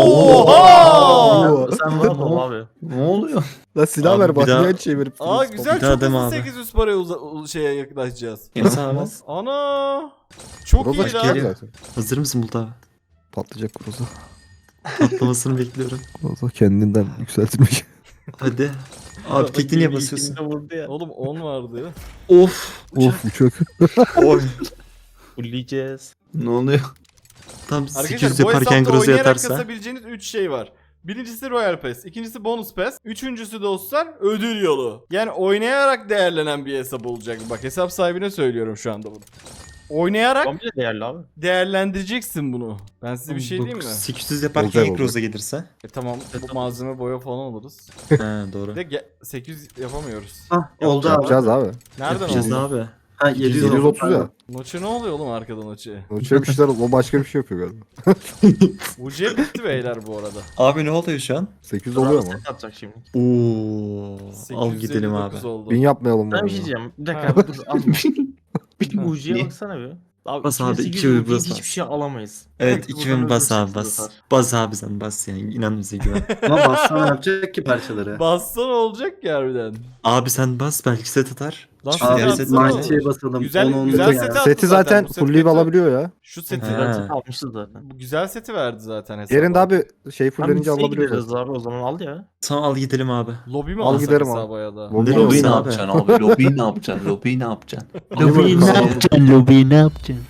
[SPEAKER 1] Oha.
[SPEAKER 3] Sen rahat ol abi.
[SPEAKER 6] Ne oluyor?
[SPEAKER 4] La silah
[SPEAKER 7] Abi
[SPEAKER 4] ver
[SPEAKER 7] bir
[SPEAKER 4] bak
[SPEAKER 7] daha-
[SPEAKER 4] niye çevirip
[SPEAKER 1] Aa
[SPEAKER 4] duruyorsun?
[SPEAKER 1] güzel
[SPEAKER 7] Bir daha
[SPEAKER 1] çok
[SPEAKER 7] deme
[SPEAKER 1] hızlı
[SPEAKER 7] abi.
[SPEAKER 1] sekiz yüz paraya uza- u- şeye yaklaşacağız.
[SPEAKER 7] Nasıl abi?
[SPEAKER 1] Ana. Çok
[SPEAKER 4] Groza
[SPEAKER 1] iyi
[SPEAKER 4] çıkacak
[SPEAKER 1] lan.
[SPEAKER 4] zaten.
[SPEAKER 7] Hazır mısın Bulut abi?
[SPEAKER 4] Patlayacak Groza.
[SPEAKER 7] Patlamasını bekliyorum.
[SPEAKER 4] Groza kendinden yükseltilmiş.
[SPEAKER 7] Hadi. Abi tekli niye basıyorsun?
[SPEAKER 3] İkisini de vurdu ya.
[SPEAKER 1] Oğlum on vardı.
[SPEAKER 6] Of.
[SPEAKER 4] Of uçak.
[SPEAKER 7] Oy.
[SPEAKER 3] Fullleyeceğiz.
[SPEAKER 6] Ne oluyor?
[SPEAKER 7] Tam sekiz
[SPEAKER 1] Arkadaşlar
[SPEAKER 7] yüz
[SPEAKER 1] bu
[SPEAKER 7] yaparken
[SPEAKER 1] hesapta
[SPEAKER 7] Groza
[SPEAKER 1] oynayarak
[SPEAKER 7] yatarsa.
[SPEAKER 1] kasabileceğiniz üç şey var. Birincisi Royal Pass, ikincisi Bonus Pass, üçüncüsü dostlar ödül yolu. Yani oynayarak değerlenen bir hesap olacak. Bak hesap sahibine söylüyorum şu anda bunu. Oynayarak
[SPEAKER 3] Komple değerli abi.
[SPEAKER 1] değerlendireceksin bunu. Ben size bir şey diyeyim mi?
[SPEAKER 7] sekiz yüz yaparken
[SPEAKER 4] Olacak,
[SPEAKER 7] ilk
[SPEAKER 4] olacak.
[SPEAKER 7] Groza gelirse.
[SPEAKER 1] E tamam bu malzeme boya falan alırız.
[SPEAKER 7] He
[SPEAKER 1] Bir
[SPEAKER 7] doğru.
[SPEAKER 1] de ge- sekiz yüz yapamıyoruz.
[SPEAKER 2] Hah oldu abi.
[SPEAKER 4] Yapacağız abi.
[SPEAKER 1] Nereden
[SPEAKER 7] Yapacağız
[SPEAKER 1] oldu?
[SPEAKER 7] abi.
[SPEAKER 2] Ha yedi yüz
[SPEAKER 4] yedi yüz otuz
[SPEAKER 2] oldu.
[SPEAKER 4] ya.
[SPEAKER 1] Noçe ne oluyor oğlum arkadan Noçe?
[SPEAKER 4] Uçak bir şeyler o başka bir şey yapıyor galiba.
[SPEAKER 1] U C bitti beyler bu arada.
[SPEAKER 7] Abi ne oluyor şu an?
[SPEAKER 4] sekiz yüz oluyor mu?
[SPEAKER 3] Set atacak şimdi.
[SPEAKER 7] Oo. Al
[SPEAKER 1] sekiz yüz
[SPEAKER 7] gidelim
[SPEAKER 1] elli
[SPEAKER 7] abi.
[SPEAKER 1] dokuz oldu.
[SPEAKER 4] Bin yapmayalım
[SPEAKER 3] Ben
[SPEAKER 4] bunu.
[SPEAKER 3] bir şey diyeceğim. Bir
[SPEAKER 1] Ha.
[SPEAKER 3] dakika abi dur alma. Bir
[SPEAKER 1] Ha.
[SPEAKER 3] Ucu'ya
[SPEAKER 7] Ne?
[SPEAKER 3] baksana bir. Abi
[SPEAKER 7] Bas abi,
[SPEAKER 3] iki bin sekiz
[SPEAKER 7] iki
[SPEAKER 3] yüz
[SPEAKER 7] bin
[SPEAKER 3] rupiye
[SPEAKER 7] bas
[SPEAKER 3] hiçbir
[SPEAKER 7] bas.
[SPEAKER 3] şey alamayız.
[SPEAKER 7] Evet
[SPEAKER 3] Belki
[SPEAKER 7] iki
[SPEAKER 3] buradan
[SPEAKER 7] bin bas abi
[SPEAKER 3] öldürürsek
[SPEAKER 7] bas.
[SPEAKER 3] zaten.
[SPEAKER 7] Bas abi sen bas yani inan bize güven.
[SPEAKER 2] Ama bassan yapacak ki parçaları.
[SPEAKER 1] Bassan olacak ki harbiden.
[SPEAKER 7] Abi sen bas belki set atar.
[SPEAKER 1] Lan
[SPEAKER 7] Çünkü
[SPEAKER 1] seti
[SPEAKER 7] diğer
[SPEAKER 2] Abi
[SPEAKER 7] set
[SPEAKER 1] atsana.
[SPEAKER 2] Mighty'ye basalım.
[SPEAKER 1] Güzel-
[SPEAKER 2] on, on
[SPEAKER 1] güzel
[SPEAKER 2] ya.
[SPEAKER 1] seti at.
[SPEAKER 4] Seti
[SPEAKER 1] zaten,
[SPEAKER 4] zaten
[SPEAKER 1] bu set
[SPEAKER 4] fullleyip
[SPEAKER 1] kötü.
[SPEAKER 4] alabiliyor ya.
[SPEAKER 1] Şu seti
[SPEAKER 7] Ha.
[SPEAKER 3] Ben set almışız zaten.
[SPEAKER 1] bu güzel seti verdi zaten hesaba.
[SPEAKER 4] Yerinde abi şey
[SPEAKER 3] Tam
[SPEAKER 4] fullenince
[SPEAKER 3] listeye
[SPEAKER 4] alabiliyoruz.
[SPEAKER 3] gideriz abi o zaman al ya.
[SPEAKER 7] Tamam al gidelim abi.
[SPEAKER 1] Lobi mi
[SPEAKER 4] Al
[SPEAKER 1] alsak
[SPEAKER 4] giderim abi.
[SPEAKER 1] hesaba ya da?
[SPEAKER 4] Lobi
[SPEAKER 7] Lobi
[SPEAKER 6] Lobiyi ne
[SPEAKER 7] abi.
[SPEAKER 6] yapacaksın abi? Lobiyi ne yapacaksın? Lobiyi ne yapacaksın?
[SPEAKER 4] Lobiyi ne yapacaksın?
[SPEAKER 3] Lobiyi ne yapacaksın?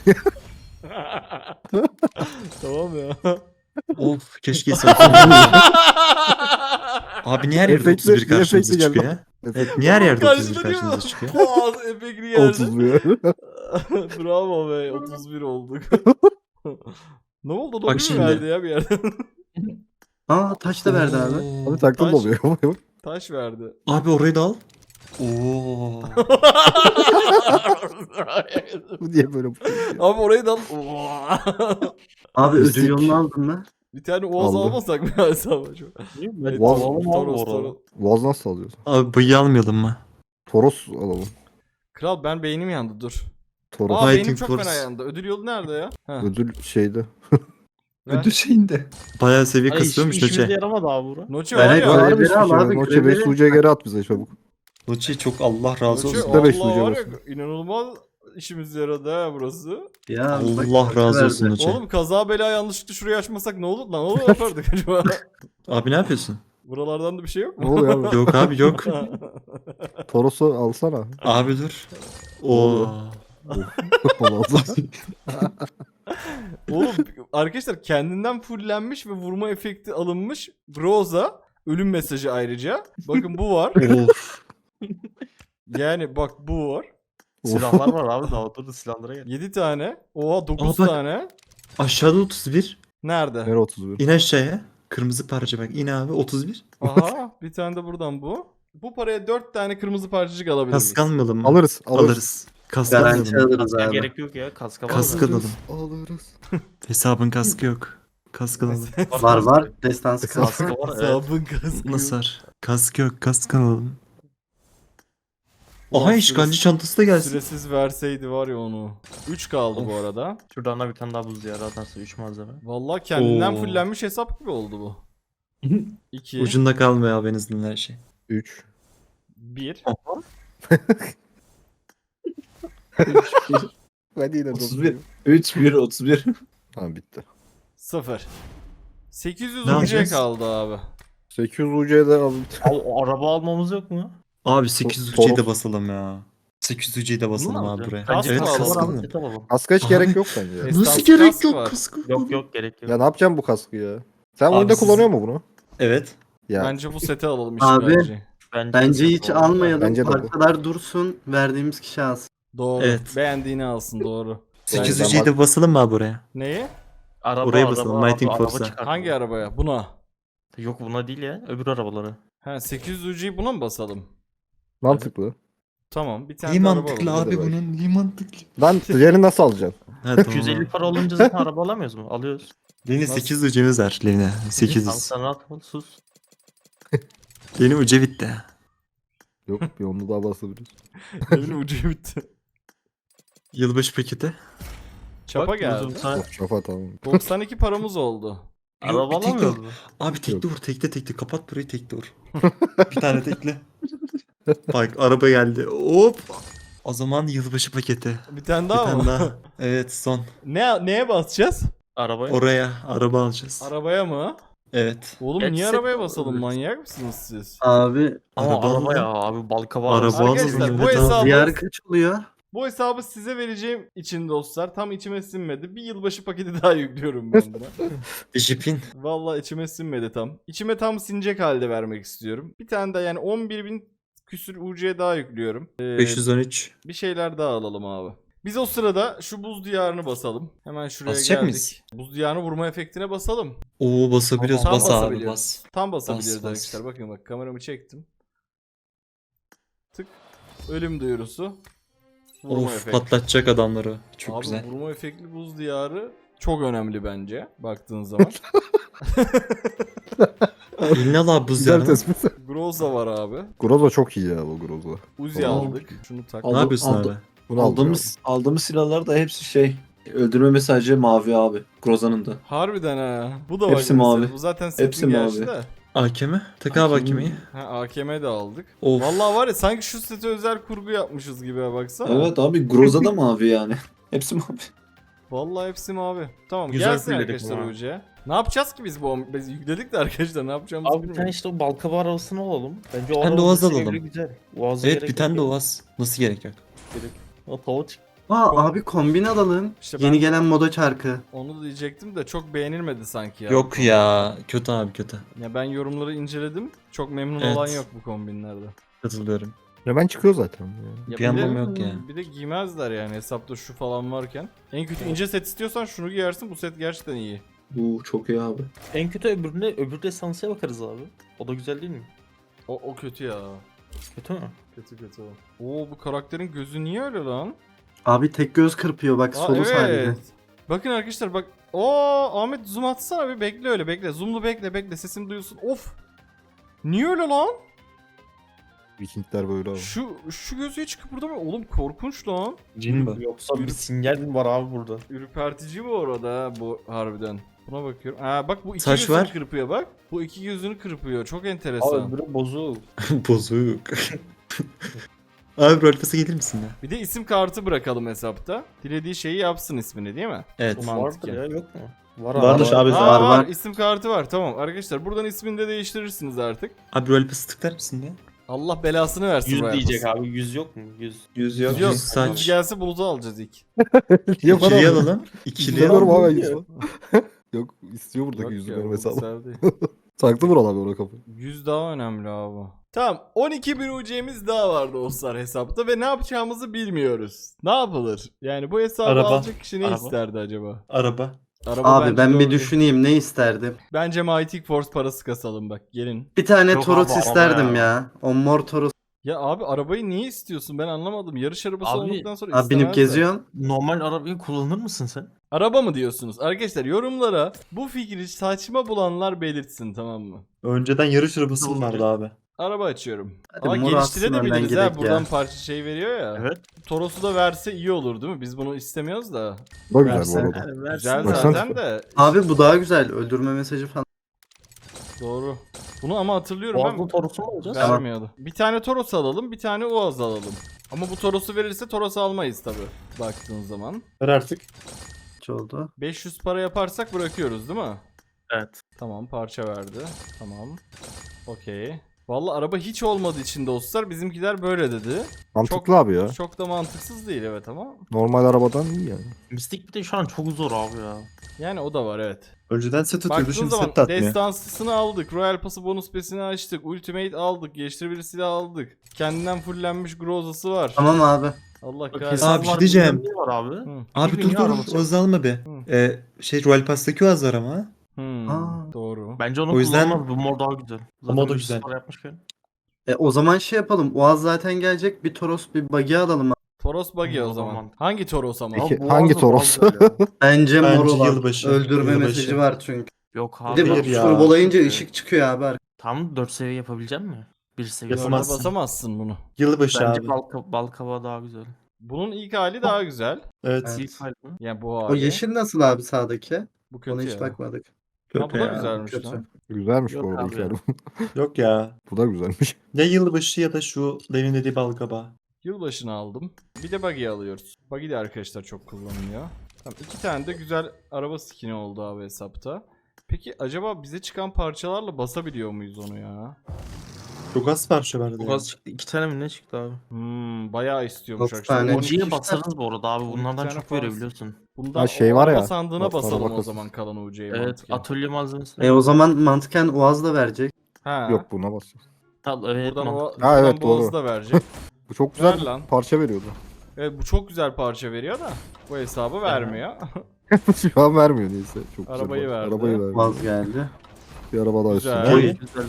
[SPEAKER 1] Tamam ya.
[SPEAKER 7] Of keşke sen. Abi niye her yerde
[SPEAKER 4] Efektli-
[SPEAKER 7] otuz bir karşımıza
[SPEAKER 4] efektli geldi.
[SPEAKER 7] çıkıyor ya? Evet niye her yerde otuz bir
[SPEAKER 1] Karşıda değil mi?
[SPEAKER 7] karşımıza çıkıyor?
[SPEAKER 1] Boğaz epekli yerde.
[SPEAKER 4] otuz bir.
[SPEAKER 1] Bravo be otuz bir olduk. ne oldu? Lobi
[SPEAKER 7] Bak
[SPEAKER 1] mi
[SPEAKER 7] şimdi.
[SPEAKER 1] verdi ya bir yerden?
[SPEAKER 2] Aa taş da verdi abi.
[SPEAKER 4] Abi taktım da
[SPEAKER 1] Taş.
[SPEAKER 4] oluyor.
[SPEAKER 1] Taş verdi.
[SPEAKER 7] Abi orayı da al. Oo.
[SPEAKER 4] Bu diye böyle.
[SPEAKER 1] Abi orayı da al.
[SPEAKER 2] Abi ödül
[SPEAKER 4] Müzik.
[SPEAKER 2] yolunu aldın mı?
[SPEAKER 1] Bir tane Oğuz
[SPEAKER 4] Aldım.
[SPEAKER 1] almasak mı hesaba?
[SPEAKER 3] Ben
[SPEAKER 4] Boğaz-
[SPEAKER 3] alalım abi
[SPEAKER 1] Toros,
[SPEAKER 3] oraya.
[SPEAKER 1] Toros.
[SPEAKER 4] Boğaz nasıl alıyorsun?
[SPEAKER 7] Abi bıyığı almayalım mı?
[SPEAKER 4] Toros alalım.
[SPEAKER 1] Kral ben beynim yandı dur.
[SPEAKER 4] Toros.
[SPEAKER 1] Aa
[SPEAKER 7] Fighting
[SPEAKER 1] beynim çok
[SPEAKER 7] Force.
[SPEAKER 1] fena yandı. Ödül yolu nerede ya? Ha,
[SPEAKER 4] Ödül şeyde.
[SPEAKER 1] ver.
[SPEAKER 5] Ödül şeyinde.
[SPEAKER 7] Bayağı seviye
[SPEAKER 3] Ay, iş,
[SPEAKER 7] kasıyormuş
[SPEAKER 3] işimize
[SPEAKER 7] Noche.
[SPEAKER 3] yaramadı abi bura.
[SPEAKER 1] Noçi
[SPEAKER 2] Ben
[SPEAKER 1] var
[SPEAKER 2] hep
[SPEAKER 1] ya.
[SPEAKER 2] böyle-
[SPEAKER 4] Var bir
[SPEAKER 2] Görevleri al
[SPEAKER 4] şey.
[SPEAKER 2] abi,
[SPEAKER 4] Noche beş
[SPEAKER 2] görevleri.
[SPEAKER 4] sucuya geri at bize çabuk.
[SPEAKER 5] Noçi çok Allah razı
[SPEAKER 1] Noçi
[SPEAKER 5] olsun.
[SPEAKER 4] Bizde beş
[SPEAKER 1] Allah
[SPEAKER 4] sucu
[SPEAKER 1] var ya
[SPEAKER 4] olsun.
[SPEAKER 1] inanılmaz işimize yaradı ha burası.
[SPEAKER 2] Ya bak,
[SPEAKER 7] Allah razı
[SPEAKER 2] verdi.
[SPEAKER 7] olsun Noche.
[SPEAKER 1] Oğlum kaza bela yanlışlıkla şurayı açmasak ne olur lan? Ne yapardık acaba?
[SPEAKER 7] Abi ne yapıyorsun?
[SPEAKER 1] Buralardan da bir şey yok
[SPEAKER 4] Ne
[SPEAKER 1] mu?
[SPEAKER 4] oluyor abi?
[SPEAKER 7] Yok abi yok.
[SPEAKER 4] Toros'u alsana.
[SPEAKER 7] Abi dur. Oo.
[SPEAKER 4] Olmaz.
[SPEAKER 1] Oğlum arkadaşlar kendinden fullenmiş ve vurma efekti alınmış Groza ölüm mesajı ayrıca. Bakın bu var.
[SPEAKER 7] Of.
[SPEAKER 1] Yani bak bu var.
[SPEAKER 3] Silahlar var abi daha dur silahlara gel.
[SPEAKER 1] yedi tane. Oha dokuz
[SPEAKER 7] Aa, bak.
[SPEAKER 1] tane.
[SPEAKER 7] Aşağıda otuz bir.
[SPEAKER 1] Nerede?
[SPEAKER 4] Nere otuz bir?
[SPEAKER 7] İn aşağıya. Kırmızı parça bak. İn abi otuz bir.
[SPEAKER 1] Aha bir tane de buradan bu. Bu paraya dört tane kırmızı parçacık alabiliriz.
[SPEAKER 7] Kask almayalım mı?
[SPEAKER 4] Alırız. Alırız.
[SPEAKER 7] Alırız. Kask
[SPEAKER 2] Garanti
[SPEAKER 7] alalım.
[SPEAKER 2] alırız
[SPEAKER 3] Ya
[SPEAKER 2] abi.
[SPEAKER 3] gerek yok ya kaska var.
[SPEAKER 7] Kask
[SPEAKER 3] mı?
[SPEAKER 7] alalım.
[SPEAKER 4] Alırız.
[SPEAKER 7] Hesabın kaskı yok. Kask alalım.
[SPEAKER 2] Var var. Destansı kalsın.
[SPEAKER 3] Kaska var evet.
[SPEAKER 1] Sabun kaskı.
[SPEAKER 7] Nasıl var? Kask yok. Kask alalım.
[SPEAKER 1] Ulan
[SPEAKER 7] Aha işgalci
[SPEAKER 1] süresiz-
[SPEAKER 7] çantası da gelsin.
[SPEAKER 1] Süresiz verseydi var ya onu. üç kaldı bu arada.
[SPEAKER 3] Şuradan da bir tane daha buz diyarı atarsa üç malzeme.
[SPEAKER 1] Vallahi kendinden
[SPEAKER 7] Oo.
[SPEAKER 1] fullenmiş hesap gibi oldu bu. iki,
[SPEAKER 7] Ucunda kalmıyor abi en azından her şey.
[SPEAKER 4] üç.
[SPEAKER 1] bir.
[SPEAKER 4] Ben yine
[SPEAKER 5] otuz bir. üç bir otuz bir.
[SPEAKER 4] Tamam bitti.
[SPEAKER 1] sıfır. sekiz yüz
[SPEAKER 7] Ne
[SPEAKER 1] ucuya
[SPEAKER 7] yapacağız?
[SPEAKER 1] kaldı abi.
[SPEAKER 4] sekiz yüz U C'de al.
[SPEAKER 3] Al, o araba almamız yok mu?
[SPEAKER 7] Abi sekiz
[SPEAKER 4] Toros.
[SPEAKER 7] ucuyu da basalım ya. sekiz ucuyu da basalım
[SPEAKER 3] Bunu mu
[SPEAKER 7] abi
[SPEAKER 3] alacağım?
[SPEAKER 7] buraya.
[SPEAKER 1] Kask
[SPEAKER 7] Evet
[SPEAKER 1] mı
[SPEAKER 7] kask
[SPEAKER 1] alalım?
[SPEAKER 7] alalım.
[SPEAKER 3] Set alalım.
[SPEAKER 4] Kaska hiç
[SPEAKER 7] Abi.
[SPEAKER 4] gerek yok bence. ya.
[SPEAKER 1] Nasıl
[SPEAKER 7] Nasıl
[SPEAKER 1] kask
[SPEAKER 7] gerek
[SPEAKER 1] var.
[SPEAKER 7] yok kask?
[SPEAKER 3] Yok yok gerek yok.
[SPEAKER 4] Ya ne yapacağım bu kaskı ya? Sen
[SPEAKER 7] Abi
[SPEAKER 4] oyunda
[SPEAKER 7] siz-
[SPEAKER 4] kullanıyor mu bunu?
[SPEAKER 7] Evet.
[SPEAKER 4] Ya
[SPEAKER 1] Bence bu seti alalım
[SPEAKER 2] Abi.
[SPEAKER 1] işgalci.
[SPEAKER 2] Bence hiç almayalım.
[SPEAKER 4] Bence de bu.
[SPEAKER 2] Parçalar dursun. Verdiğimiz kişi alsın.
[SPEAKER 1] Doğru.
[SPEAKER 7] Evet.
[SPEAKER 1] Beğendiğini alsın doğru.
[SPEAKER 7] sekiz
[SPEAKER 4] Ben-
[SPEAKER 7] ucuyu da basalım mı abi buraya?
[SPEAKER 1] Neyi?
[SPEAKER 3] Araba,
[SPEAKER 7] Oraya
[SPEAKER 3] araba,
[SPEAKER 7] basalım,
[SPEAKER 3] araba,
[SPEAKER 7] Mighting
[SPEAKER 3] araba
[SPEAKER 7] Force'a.
[SPEAKER 3] çıkartalım.
[SPEAKER 1] Hangi arabaya? Buna.
[SPEAKER 3] Yok buna değil ya öbür arabalara.
[SPEAKER 1] Ha sekiz yüz ucuyu buna mı basalım?
[SPEAKER 4] mantıklı.
[SPEAKER 1] Tamam bir tane
[SPEAKER 7] İyi
[SPEAKER 1] de araba
[SPEAKER 7] mantıklı
[SPEAKER 1] alalım.
[SPEAKER 7] abi
[SPEAKER 4] Hadi
[SPEAKER 7] bunun. İyi mantıklı.
[SPEAKER 4] Lan diğerini nasıl alacaksın?
[SPEAKER 7] Ha tamam.
[SPEAKER 3] iki yüz elli
[SPEAKER 7] abi.
[SPEAKER 3] para olunca zaten araba alamıyoruz mu? Alıyoruz.
[SPEAKER 7] Leni
[SPEAKER 1] Nasıl?
[SPEAKER 7] sekiz ucumuz var Leni.
[SPEAKER 3] Tamam
[SPEAKER 7] sekiz.
[SPEAKER 3] sen rahat ol sus.
[SPEAKER 7] Leni ucu bitti.
[SPEAKER 4] Yok bir onu daha basabiliriz.
[SPEAKER 1] Benim ucu bitti.
[SPEAKER 7] Yılbaşı paketi.
[SPEAKER 1] Çapa
[SPEAKER 3] Bak,
[SPEAKER 1] geldi.
[SPEAKER 3] uzun sana-
[SPEAKER 4] Of şafa tamam.
[SPEAKER 1] doksan iki paramız oldu.
[SPEAKER 3] Araba
[SPEAKER 7] bir tek
[SPEAKER 3] alamıyoruz
[SPEAKER 7] dur.
[SPEAKER 3] mu?
[SPEAKER 7] Abi tekli vur tekli tekli. Kapat burayı tekli vur. Bir tane tekli. Bak araba geldi. Hop. O zaman yılbaşı paketi.
[SPEAKER 1] Bir tane
[SPEAKER 7] Bir
[SPEAKER 1] daha
[SPEAKER 7] tane
[SPEAKER 1] mı?
[SPEAKER 7] daha. Evet son.
[SPEAKER 1] ne neye basacağız?
[SPEAKER 3] Arabaya.
[SPEAKER 7] Oraya araba alacağız.
[SPEAKER 1] Arabaya mı?
[SPEAKER 7] Evet.
[SPEAKER 1] Oğlum
[SPEAKER 3] Gerçi
[SPEAKER 1] niye
[SPEAKER 3] set
[SPEAKER 1] arabaya
[SPEAKER 3] de
[SPEAKER 1] basalım?
[SPEAKER 3] alabiliriz.
[SPEAKER 1] Manyak mısınız siz?
[SPEAKER 2] Abi
[SPEAKER 3] Ama
[SPEAKER 7] Araba
[SPEAKER 3] araba ya
[SPEAKER 7] alalım.
[SPEAKER 3] abi balkaba
[SPEAKER 7] Araba
[SPEAKER 3] araba.
[SPEAKER 1] Arkadaşlar
[SPEAKER 7] alalım.
[SPEAKER 1] bu
[SPEAKER 7] Evet abi.
[SPEAKER 1] hesabı
[SPEAKER 2] diğer kaç oluyor?
[SPEAKER 1] bu hesabı size vereceğim için dostlar tam içime sinmedi. Bir yılbaşı paketi daha yüklüyorum ben buna.
[SPEAKER 7] Jipin.
[SPEAKER 1] Vallahi içime sinmedi tam. İçime tam sinecek halde vermek istiyorum. Bir tane daha yani on bir bin küsür U C daha yüklüyorum. Ee,
[SPEAKER 7] beş yüz on üç.
[SPEAKER 1] Bir şeyler daha alalım abi. Biz o sırada şu buz diyarını basalım. Hemen şuraya
[SPEAKER 7] Basacak
[SPEAKER 1] geldik.
[SPEAKER 7] mıyız?
[SPEAKER 1] Buz diyarını vurma efektine basalım.
[SPEAKER 7] Oo basabiliyoruz.
[SPEAKER 1] Tam
[SPEAKER 7] Bas abi
[SPEAKER 1] basabiliyoruz.
[SPEAKER 7] bas.
[SPEAKER 1] Tam basabiliyoruz
[SPEAKER 7] Bas, bas.
[SPEAKER 1] arkadaşlar. Bakın bak kameramı çektim. Tık. Ölüm duyurusu. Vurma
[SPEAKER 7] Of
[SPEAKER 1] efekti.
[SPEAKER 7] patlatacak adamları. Çok
[SPEAKER 1] Abi
[SPEAKER 7] güzel.
[SPEAKER 1] vurma efektli buz diyarı çok önemli bence baktığın zaman.
[SPEAKER 7] Eline al abi buz
[SPEAKER 4] Güzel
[SPEAKER 7] yarını.
[SPEAKER 4] tespit.
[SPEAKER 1] Groza var abi.
[SPEAKER 4] Groza çok iyi ya bu Groza.
[SPEAKER 1] Uzi
[SPEAKER 4] Tamam.
[SPEAKER 1] aldık. Şunu tak.
[SPEAKER 7] Ne
[SPEAKER 5] Aldım-
[SPEAKER 7] yapıyorsun
[SPEAKER 5] aldım.
[SPEAKER 7] abi?
[SPEAKER 4] Bunu aldım.
[SPEAKER 5] Aldığımız, aldığımız silahlar da hepsi şey. Öldürme mesajı mavi abi. Groza'nın da.
[SPEAKER 1] Harbiden ha. Bu da
[SPEAKER 5] Hepsi
[SPEAKER 1] var.
[SPEAKER 5] mavi.
[SPEAKER 1] Bu zaten setin
[SPEAKER 5] Hepsi
[SPEAKER 1] gerçi
[SPEAKER 5] mavi.
[SPEAKER 1] de.
[SPEAKER 7] A K mi? Tak abi A K M'yi.
[SPEAKER 1] Ha A K M de aldık.
[SPEAKER 7] Of.
[SPEAKER 1] Vallahi var ya sanki şu sete özel kurgu yapmışız gibi ha baksana.
[SPEAKER 5] Evet abi Groza da mavi yani. Hepsi mavi.
[SPEAKER 1] Vallahi hepsi mavi. Tamam
[SPEAKER 7] Güzel
[SPEAKER 1] gelsin
[SPEAKER 7] fulledik
[SPEAKER 1] arkadaşlar
[SPEAKER 7] bunu ha.
[SPEAKER 1] Ucu'ya. Ne yapacağız ki biz bu biz yükledik de arkadaşlar ne yapacağımızı
[SPEAKER 3] Abi bir tane
[SPEAKER 1] bilmiyorum.
[SPEAKER 3] işte o balkaba arabasını alalım. Bence o
[SPEAKER 7] Ben de
[SPEAKER 3] araba
[SPEAKER 7] Oğaz
[SPEAKER 3] bize
[SPEAKER 7] alalım.
[SPEAKER 3] göre güzel. Oğaz'a
[SPEAKER 7] Evet
[SPEAKER 3] gerek
[SPEAKER 7] bir tane de
[SPEAKER 3] yok ya.
[SPEAKER 7] Oğaz. Nasıl gerek yok?
[SPEAKER 3] O tava çık.
[SPEAKER 2] Aa abi kombin alalım.
[SPEAKER 1] İşte ben
[SPEAKER 2] Yeni gelen moda çarkı.
[SPEAKER 1] onu diyecektim de çok beğenilmedi sanki ya.
[SPEAKER 7] Yok ya. Kötü abi kötü.
[SPEAKER 1] Ya ben yorumları inceledim. Çok memnun
[SPEAKER 7] Evet.
[SPEAKER 1] olan yok bu kombinlerde.
[SPEAKER 7] Katılıyorum.
[SPEAKER 4] Hemen çıkıyor zaten. Ya.
[SPEAKER 1] Ya
[SPEAKER 7] Bir
[SPEAKER 1] de-
[SPEAKER 7] anlamı yok ya.
[SPEAKER 1] Bir de giymezler yani hesapta şu falan varken. En kötü ince set istiyorsan şunu giyersin bu set gerçekten iyi.
[SPEAKER 5] Bu çok iyi abi.
[SPEAKER 3] En kötü öbürüne öbür destansiye bakarız abi. O da güzel değil mi?
[SPEAKER 1] O, o kötü ya.
[SPEAKER 3] Kötü mü?
[SPEAKER 1] Kötü kötü o. Oo bu karakterin gözü niye öyle lan?
[SPEAKER 2] Abi tek göz kırpıyor bak
[SPEAKER 1] Aa,
[SPEAKER 2] solu sadece.
[SPEAKER 1] Bakın arkadaşlar bak. Oo Ahmet zoom atsana bir, bekle öyle bekle. Zoom'lu bekle bekle, sesim duyulsun. Of. Niye öyle lan?
[SPEAKER 4] Vikingler böyle abi.
[SPEAKER 1] Şu şu gözü hiç kıpırdamıyor. Oğlum korkunç lan.
[SPEAKER 7] Cin mi?
[SPEAKER 3] Yoksa bir sinyal mi var abi burada?
[SPEAKER 1] Ürpertici bu arada ha, bu harbiden. Buna bakıyorum. Aa bak bu iki
[SPEAKER 7] Saç
[SPEAKER 1] gözünü
[SPEAKER 7] var.
[SPEAKER 1] kırpıyor bak. Bu iki gözünü kırpıyor. Çok
[SPEAKER 3] Abi
[SPEAKER 1] enteresan.
[SPEAKER 3] öbürü bozuk.
[SPEAKER 7] Bozuk. Abi rol pası gelir misin ya?
[SPEAKER 1] Bir de isim kartı bırakalım hesapta. Dilediği şeyi yapsın ismini değil mi?
[SPEAKER 7] Evet.
[SPEAKER 1] Bu
[SPEAKER 3] Vardır
[SPEAKER 1] mantıken.
[SPEAKER 3] ya, yok mu? Var
[SPEAKER 7] Varmış abi.
[SPEAKER 1] Aa,
[SPEAKER 2] var,
[SPEAKER 1] var,
[SPEAKER 2] var.
[SPEAKER 1] isim kartı var, tamam arkadaşlar buradan ismini de değiştirirsiniz artık.
[SPEAKER 7] Abi rol pası tıklar mısın ya?
[SPEAKER 1] Allah belasını versin.
[SPEAKER 3] Yüz
[SPEAKER 1] Royal
[SPEAKER 3] diyecek
[SPEAKER 1] Pass.
[SPEAKER 3] abi. Yüz yok mu? Yüz.
[SPEAKER 5] Yüz
[SPEAKER 1] Yüz
[SPEAKER 5] yok.
[SPEAKER 1] yok.
[SPEAKER 7] Yüz saç.
[SPEAKER 1] Yüz gelse bulutu alacağız ilk.
[SPEAKER 4] Niye bana
[SPEAKER 7] İkiliye
[SPEAKER 4] bak-
[SPEAKER 7] alalım. İkiliye
[SPEAKER 4] İstemiyorum
[SPEAKER 7] alalım.
[SPEAKER 4] abi yüzü. Yok istiyor buradaki
[SPEAKER 1] Yok
[SPEAKER 4] yüzü
[SPEAKER 1] ya,
[SPEAKER 4] benim
[SPEAKER 1] bu
[SPEAKER 4] hesabım.
[SPEAKER 1] güzel değil.
[SPEAKER 4] Saklı vur abi ona kafayı.
[SPEAKER 1] yüz daha önemli abi. Tamam, on iki bin U C'miz daha var dostlar hesapta ve ne yapacağımızı bilmiyoruz. Ne yapılır? Yani bu hesabı
[SPEAKER 7] Araba.
[SPEAKER 1] alacak kişi ne
[SPEAKER 3] Araba.
[SPEAKER 1] isterdi acaba?
[SPEAKER 7] Araba.
[SPEAKER 1] Araba
[SPEAKER 2] Abi
[SPEAKER 1] bence
[SPEAKER 2] ben
[SPEAKER 1] doğru
[SPEAKER 2] bir
[SPEAKER 1] değil.
[SPEAKER 2] düşüneyim ne isterdim.
[SPEAKER 1] Bence Mighty Force parası kasalım bak, gelin.
[SPEAKER 2] Bir tane
[SPEAKER 3] Yok
[SPEAKER 2] Toros
[SPEAKER 3] abi, araba
[SPEAKER 2] isterdim
[SPEAKER 3] ya.
[SPEAKER 2] ya. O mor Toros.
[SPEAKER 1] Ya abi arabayı niye istiyorsun, ben anlamadım. Yarış arabası
[SPEAKER 3] Abi-
[SPEAKER 1] olduktan sonra
[SPEAKER 2] Abi binip
[SPEAKER 1] istemezler.
[SPEAKER 2] geziyorsun.
[SPEAKER 3] Normal arabayı kullanır mısın sen?
[SPEAKER 1] Araba mı diyorsunuz? Arkadaşlar yorumlara bu fikri saçma bulanlar belirtsin, tamam mı?
[SPEAKER 7] Önceden yarış arabası mı vardı abi?
[SPEAKER 1] Araba açıyorum.
[SPEAKER 2] Hadi
[SPEAKER 1] Ama
[SPEAKER 2] mor atsın önden
[SPEAKER 1] geliştirebiliriz ha.
[SPEAKER 2] gidek
[SPEAKER 1] Buradan
[SPEAKER 2] ya.
[SPEAKER 1] parça şey veriyor ya.
[SPEAKER 3] Evet.
[SPEAKER 1] Toros'u da verse iyi olur değil mi? Biz bunu istemiyoruz da.
[SPEAKER 4] Bu da güzel bu
[SPEAKER 2] Versen.
[SPEAKER 4] arada.
[SPEAKER 1] Güzel
[SPEAKER 4] Baksana.
[SPEAKER 1] zaten de.
[SPEAKER 2] Abi bu daha güzel. Öldürme mesajı falan.
[SPEAKER 1] Doğru. Bunu ama hatırlıyorum
[SPEAKER 3] Boğazlı
[SPEAKER 1] ben.
[SPEAKER 3] torusu mu alacağız?
[SPEAKER 2] Tamam.
[SPEAKER 1] Vermiyordu. Bir tane Toros alalım, bir tane Uaz alalım. Ama bu Toros'u verirse Toros almayız tabi. Baktığın zaman.
[SPEAKER 7] Ver artık.
[SPEAKER 2] Kaç oldu?
[SPEAKER 1] beş yüz para yaparsak bırakıyoruz değil mi?
[SPEAKER 3] Evet.
[SPEAKER 1] Tamam, parça verdi. Tamam. Okey. Vallahi araba hiç olmadığı için dostlar bizimkiler böyle dedi.
[SPEAKER 4] Mantıklı
[SPEAKER 1] Çok-
[SPEAKER 4] abi ya.
[SPEAKER 1] Çok da mantıksız değil evet ama.
[SPEAKER 4] Normal arabadan iyi yani.
[SPEAKER 3] Mistik bir de şu an çok zor abi ya.
[SPEAKER 1] Yani o da var evet.
[SPEAKER 7] Önceden set atıyordu
[SPEAKER 1] Baktığın
[SPEAKER 7] şimdi
[SPEAKER 1] zaman
[SPEAKER 7] set de atmıyor.
[SPEAKER 1] destansısını aldık. Royal Pass'ı bonus pesini açtık. Ultimate aldık. Geliştirebilir silah aldık. Kendinden fullenmiş Groza'sı var.
[SPEAKER 2] Tamam abi.
[SPEAKER 1] Allah
[SPEAKER 3] Bak,
[SPEAKER 1] kahretsin.
[SPEAKER 7] Abi bir şey
[SPEAKER 3] var,
[SPEAKER 7] diyeceğim.
[SPEAKER 3] bilmem ne var abi.
[SPEAKER 1] Hı.
[SPEAKER 7] Abi
[SPEAKER 3] Bir
[SPEAKER 7] dur
[SPEAKER 3] dünya
[SPEAKER 7] dur
[SPEAKER 3] arabası.
[SPEAKER 7] Oğuz alma bir.
[SPEAKER 1] Hı.
[SPEAKER 7] Ee, şey Royal Pass'taki Oğuz var ama.
[SPEAKER 1] Hmm,
[SPEAKER 2] Aa.
[SPEAKER 1] doğru.
[SPEAKER 3] Bence onu
[SPEAKER 7] O yüzden-
[SPEAKER 3] kullanmaz. Bu mod daha güzel. Zaten
[SPEAKER 7] mod da
[SPEAKER 3] beş yüz
[SPEAKER 7] güzel.
[SPEAKER 3] para yapmışken.
[SPEAKER 2] E o zaman şey yapalım. Uaz zaten gelecek. Bir Toros bir buggy alalım.
[SPEAKER 1] Toros buggy
[SPEAKER 3] Hı,
[SPEAKER 1] o
[SPEAKER 3] o
[SPEAKER 1] zaman.
[SPEAKER 3] zaman.
[SPEAKER 1] Hangi Toros ama?
[SPEAKER 4] Peki,
[SPEAKER 3] Abi bu
[SPEAKER 4] hangi
[SPEAKER 3] arada
[SPEAKER 4] Toros?
[SPEAKER 3] daha güzel ya.
[SPEAKER 2] Bence mor
[SPEAKER 7] Bence
[SPEAKER 2] olan.
[SPEAKER 7] yılbaşı,
[SPEAKER 2] Öldürme
[SPEAKER 7] yılbaşı.
[SPEAKER 2] mesajı var çünkü.
[SPEAKER 3] Yok
[SPEAKER 2] Bir
[SPEAKER 3] abi.
[SPEAKER 2] de bu
[SPEAKER 7] Hayır ya.
[SPEAKER 2] turbolayınca ışık çıkıyor abi. arka-
[SPEAKER 3] Tam dört seviye yapabilecek mi? Bir seviye.
[SPEAKER 1] Dörde
[SPEAKER 7] Yapamazsın.
[SPEAKER 1] basamazsın bunu.
[SPEAKER 7] Yılbaşı
[SPEAKER 3] Bence
[SPEAKER 7] abi.
[SPEAKER 3] bal, bal kabağı daha güzel.
[SPEAKER 1] Bunun ilk hali daha güzel.
[SPEAKER 7] Evet.
[SPEAKER 2] Evet.
[SPEAKER 3] İlk hali mi?
[SPEAKER 1] Yani bu
[SPEAKER 2] O
[SPEAKER 1] hali.
[SPEAKER 2] yeşil nasıl abi sağdaki?
[SPEAKER 1] Bu kötü
[SPEAKER 2] Ona hiç
[SPEAKER 1] ya.
[SPEAKER 2] bakmadık.
[SPEAKER 1] Ha, bu da
[SPEAKER 7] ya,
[SPEAKER 1] güzelmiş
[SPEAKER 2] kötü.
[SPEAKER 1] lan.
[SPEAKER 4] Güzelmiş
[SPEAKER 3] Yok
[SPEAKER 4] bu arada
[SPEAKER 3] abi
[SPEAKER 4] ilk
[SPEAKER 3] ya.
[SPEAKER 4] araba.
[SPEAKER 7] Yok ya.
[SPEAKER 4] Bu da güzelmiş.
[SPEAKER 7] Ya yılbaşı ya da şu Devin dediği balkabağı.
[SPEAKER 1] Yılbaşını aldım. Bir de buggy alıyoruz. Buggy de arkadaşlar çok kullanılıyor. Tamam, iki tane de güzel araba skin'i oldu abi hesapta. Peki acaba bize çıkan parçalarla basabiliyor muyuz onu ya?
[SPEAKER 7] Çok az parça vardı.
[SPEAKER 3] Bu
[SPEAKER 7] ya.
[SPEAKER 3] az çıktı. İki tane mi ne çıktı abi?
[SPEAKER 1] Hmm, bayağı istiyormuş
[SPEAKER 2] Dokuz
[SPEAKER 1] arkadaşlar.
[SPEAKER 2] tane.
[SPEAKER 1] on iki-
[SPEAKER 2] Ucuya
[SPEAKER 3] Ucu'ya basarız bu arada abi.
[SPEAKER 1] on iki
[SPEAKER 3] Bunlardan
[SPEAKER 1] tane
[SPEAKER 3] çok
[SPEAKER 1] falan.
[SPEAKER 3] verebiliyorsun.
[SPEAKER 1] Bundan
[SPEAKER 4] Ha, şey
[SPEAKER 1] o
[SPEAKER 4] var ya,
[SPEAKER 1] araba sandığına
[SPEAKER 4] basmana
[SPEAKER 1] basalım o
[SPEAKER 4] bakıyorsun.
[SPEAKER 1] zaman kalan U C'ye
[SPEAKER 3] Evet.
[SPEAKER 1] mantıken.
[SPEAKER 3] Atölye malzemesi.
[SPEAKER 2] E o zaman mantıken Uaz da verecek.
[SPEAKER 1] Ha.
[SPEAKER 4] Yok buna bas.
[SPEAKER 3] Tamam, evet,
[SPEAKER 1] Buradan, o,
[SPEAKER 3] mantıklı.
[SPEAKER 4] Ha,
[SPEAKER 1] buradan
[SPEAKER 4] evet,
[SPEAKER 1] Boğaz'ı
[SPEAKER 4] doğru.
[SPEAKER 1] da verecek.
[SPEAKER 4] Bu çok
[SPEAKER 1] Ver
[SPEAKER 4] güzel
[SPEAKER 1] lan.
[SPEAKER 4] parça veriyordu.
[SPEAKER 1] Evet bu çok güzel parça veriyor da bu hesabı vermiyor.
[SPEAKER 4] Şu an vermiyor neyse. Çok güzel
[SPEAKER 1] Arabayı
[SPEAKER 4] parça.
[SPEAKER 1] verdi.
[SPEAKER 4] Arabayı verdi.
[SPEAKER 2] Uaz geldi.
[SPEAKER 4] Bir araba daha
[SPEAKER 1] Güzel.
[SPEAKER 4] üstüne.
[SPEAKER 7] Oy.
[SPEAKER 3] Güzel.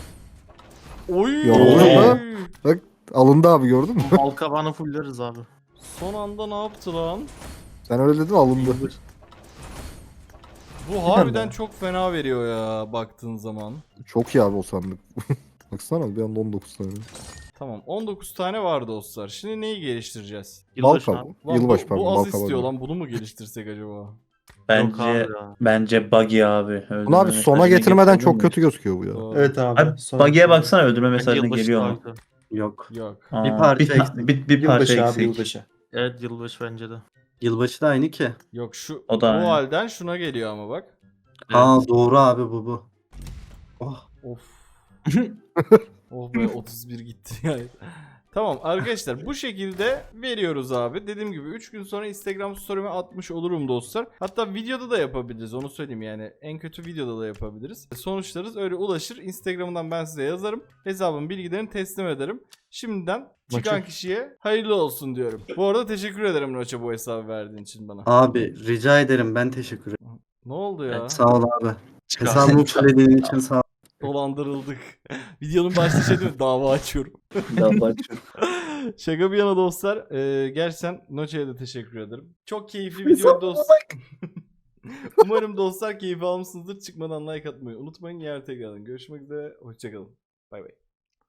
[SPEAKER 1] Oy!
[SPEAKER 4] Ya,
[SPEAKER 7] oluyor
[SPEAKER 4] mu? Alındı abi gördün mü?
[SPEAKER 3] Bal kabağını fulleriz abi.
[SPEAKER 1] Son anda ne yaptı lan?
[SPEAKER 4] Sen öyle dedin alındı.
[SPEAKER 1] Bu harbiden çok fena veriyor ya baktığın zaman.
[SPEAKER 4] Çok iyi abi o sandık. Baksana bir anda on dokuz tane.
[SPEAKER 1] Tamam on dokuz tane var dostlar. Şimdi neyi geliştireceğiz?
[SPEAKER 3] Yılbaşı
[SPEAKER 4] Balka.
[SPEAKER 3] abi.
[SPEAKER 1] Lan
[SPEAKER 4] Yılbaşı
[SPEAKER 1] bu,
[SPEAKER 4] pardon.
[SPEAKER 1] bu az
[SPEAKER 4] Balka
[SPEAKER 1] istiyor
[SPEAKER 4] var.
[SPEAKER 1] lan, bunu mu geliştirsek acaba?
[SPEAKER 3] Yok
[SPEAKER 6] Bence
[SPEAKER 3] abi ya.
[SPEAKER 6] bence buggy abi.
[SPEAKER 4] Bunu
[SPEAKER 6] Öldürme
[SPEAKER 4] abi sona
[SPEAKER 6] mesajını
[SPEAKER 4] getirmeden
[SPEAKER 6] getirelim
[SPEAKER 4] çok
[SPEAKER 6] mi?
[SPEAKER 4] kötü gözüküyor bu ya.
[SPEAKER 1] Doğru.
[SPEAKER 7] Evet abi.
[SPEAKER 6] Abi
[SPEAKER 7] Sonra-
[SPEAKER 6] buggy'e baksana öldürme
[SPEAKER 3] Bence
[SPEAKER 6] mesajını
[SPEAKER 3] yılbaşı
[SPEAKER 6] geliyor
[SPEAKER 3] daha
[SPEAKER 6] mu?
[SPEAKER 3] güzel.
[SPEAKER 2] Yok.
[SPEAKER 1] Yok.
[SPEAKER 6] Aa,
[SPEAKER 2] Bir parça
[SPEAKER 6] bir, ta-
[SPEAKER 2] eksik.
[SPEAKER 6] bir, bir parça
[SPEAKER 7] Yılbaşı abi
[SPEAKER 6] eksik.
[SPEAKER 7] yılbaşı.
[SPEAKER 3] Evet yılbaşı bence de.
[SPEAKER 2] Yılbaşı da aynı ki.
[SPEAKER 1] Yok şu
[SPEAKER 6] O
[SPEAKER 1] bu
[SPEAKER 6] da aynı.
[SPEAKER 1] halden şuna geliyor ama bak.
[SPEAKER 2] Aa doğru abi bu bu. Oh.
[SPEAKER 1] Of. Oh be otuz bir gitti yani. Tamam arkadaşlar bu şekilde veriyoruz abi. Dediğim gibi üç gün sonra Instagram story'ime atmış olurum dostlar. Hatta videoda da yapabiliriz onu söyleyeyim yani. En kötü videoda da yapabiliriz. Sonuçlarınız öyle ulaşır. Instagram'dan ben size yazarım. Hesabın bilgilerini teslim ederim. Şimdiden çıkan
[SPEAKER 7] Maçı.
[SPEAKER 1] kişiye hayırlı olsun diyorum. Bu arada teşekkür ederim Noç'a bu hesabı verdiğin için bana.
[SPEAKER 2] Abi rica ederim ben teşekkür ederim.
[SPEAKER 1] Ne oldu ya?
[SPEAKER 2] Sağ ol abi. Hesabımı söylediğin için sağ ol.
[SPEAKER 1] Dolandırıldık. Videonun başta şey değil mi? Dava açıyorum.
[SPEAKER 6] Daha başlıyor.
[SPEAKER 1] Şaka bir yana dostlar. E, gerçekten Noce'ye de teşekkür ederim. Çok keyifli video dostlar. Umarım dostlar keyif almışsınızdır. Çıkmadan like atmayı unutmayın. Yarın tekrardan görüşmek üzere. Hoşçakalın. Bay bay.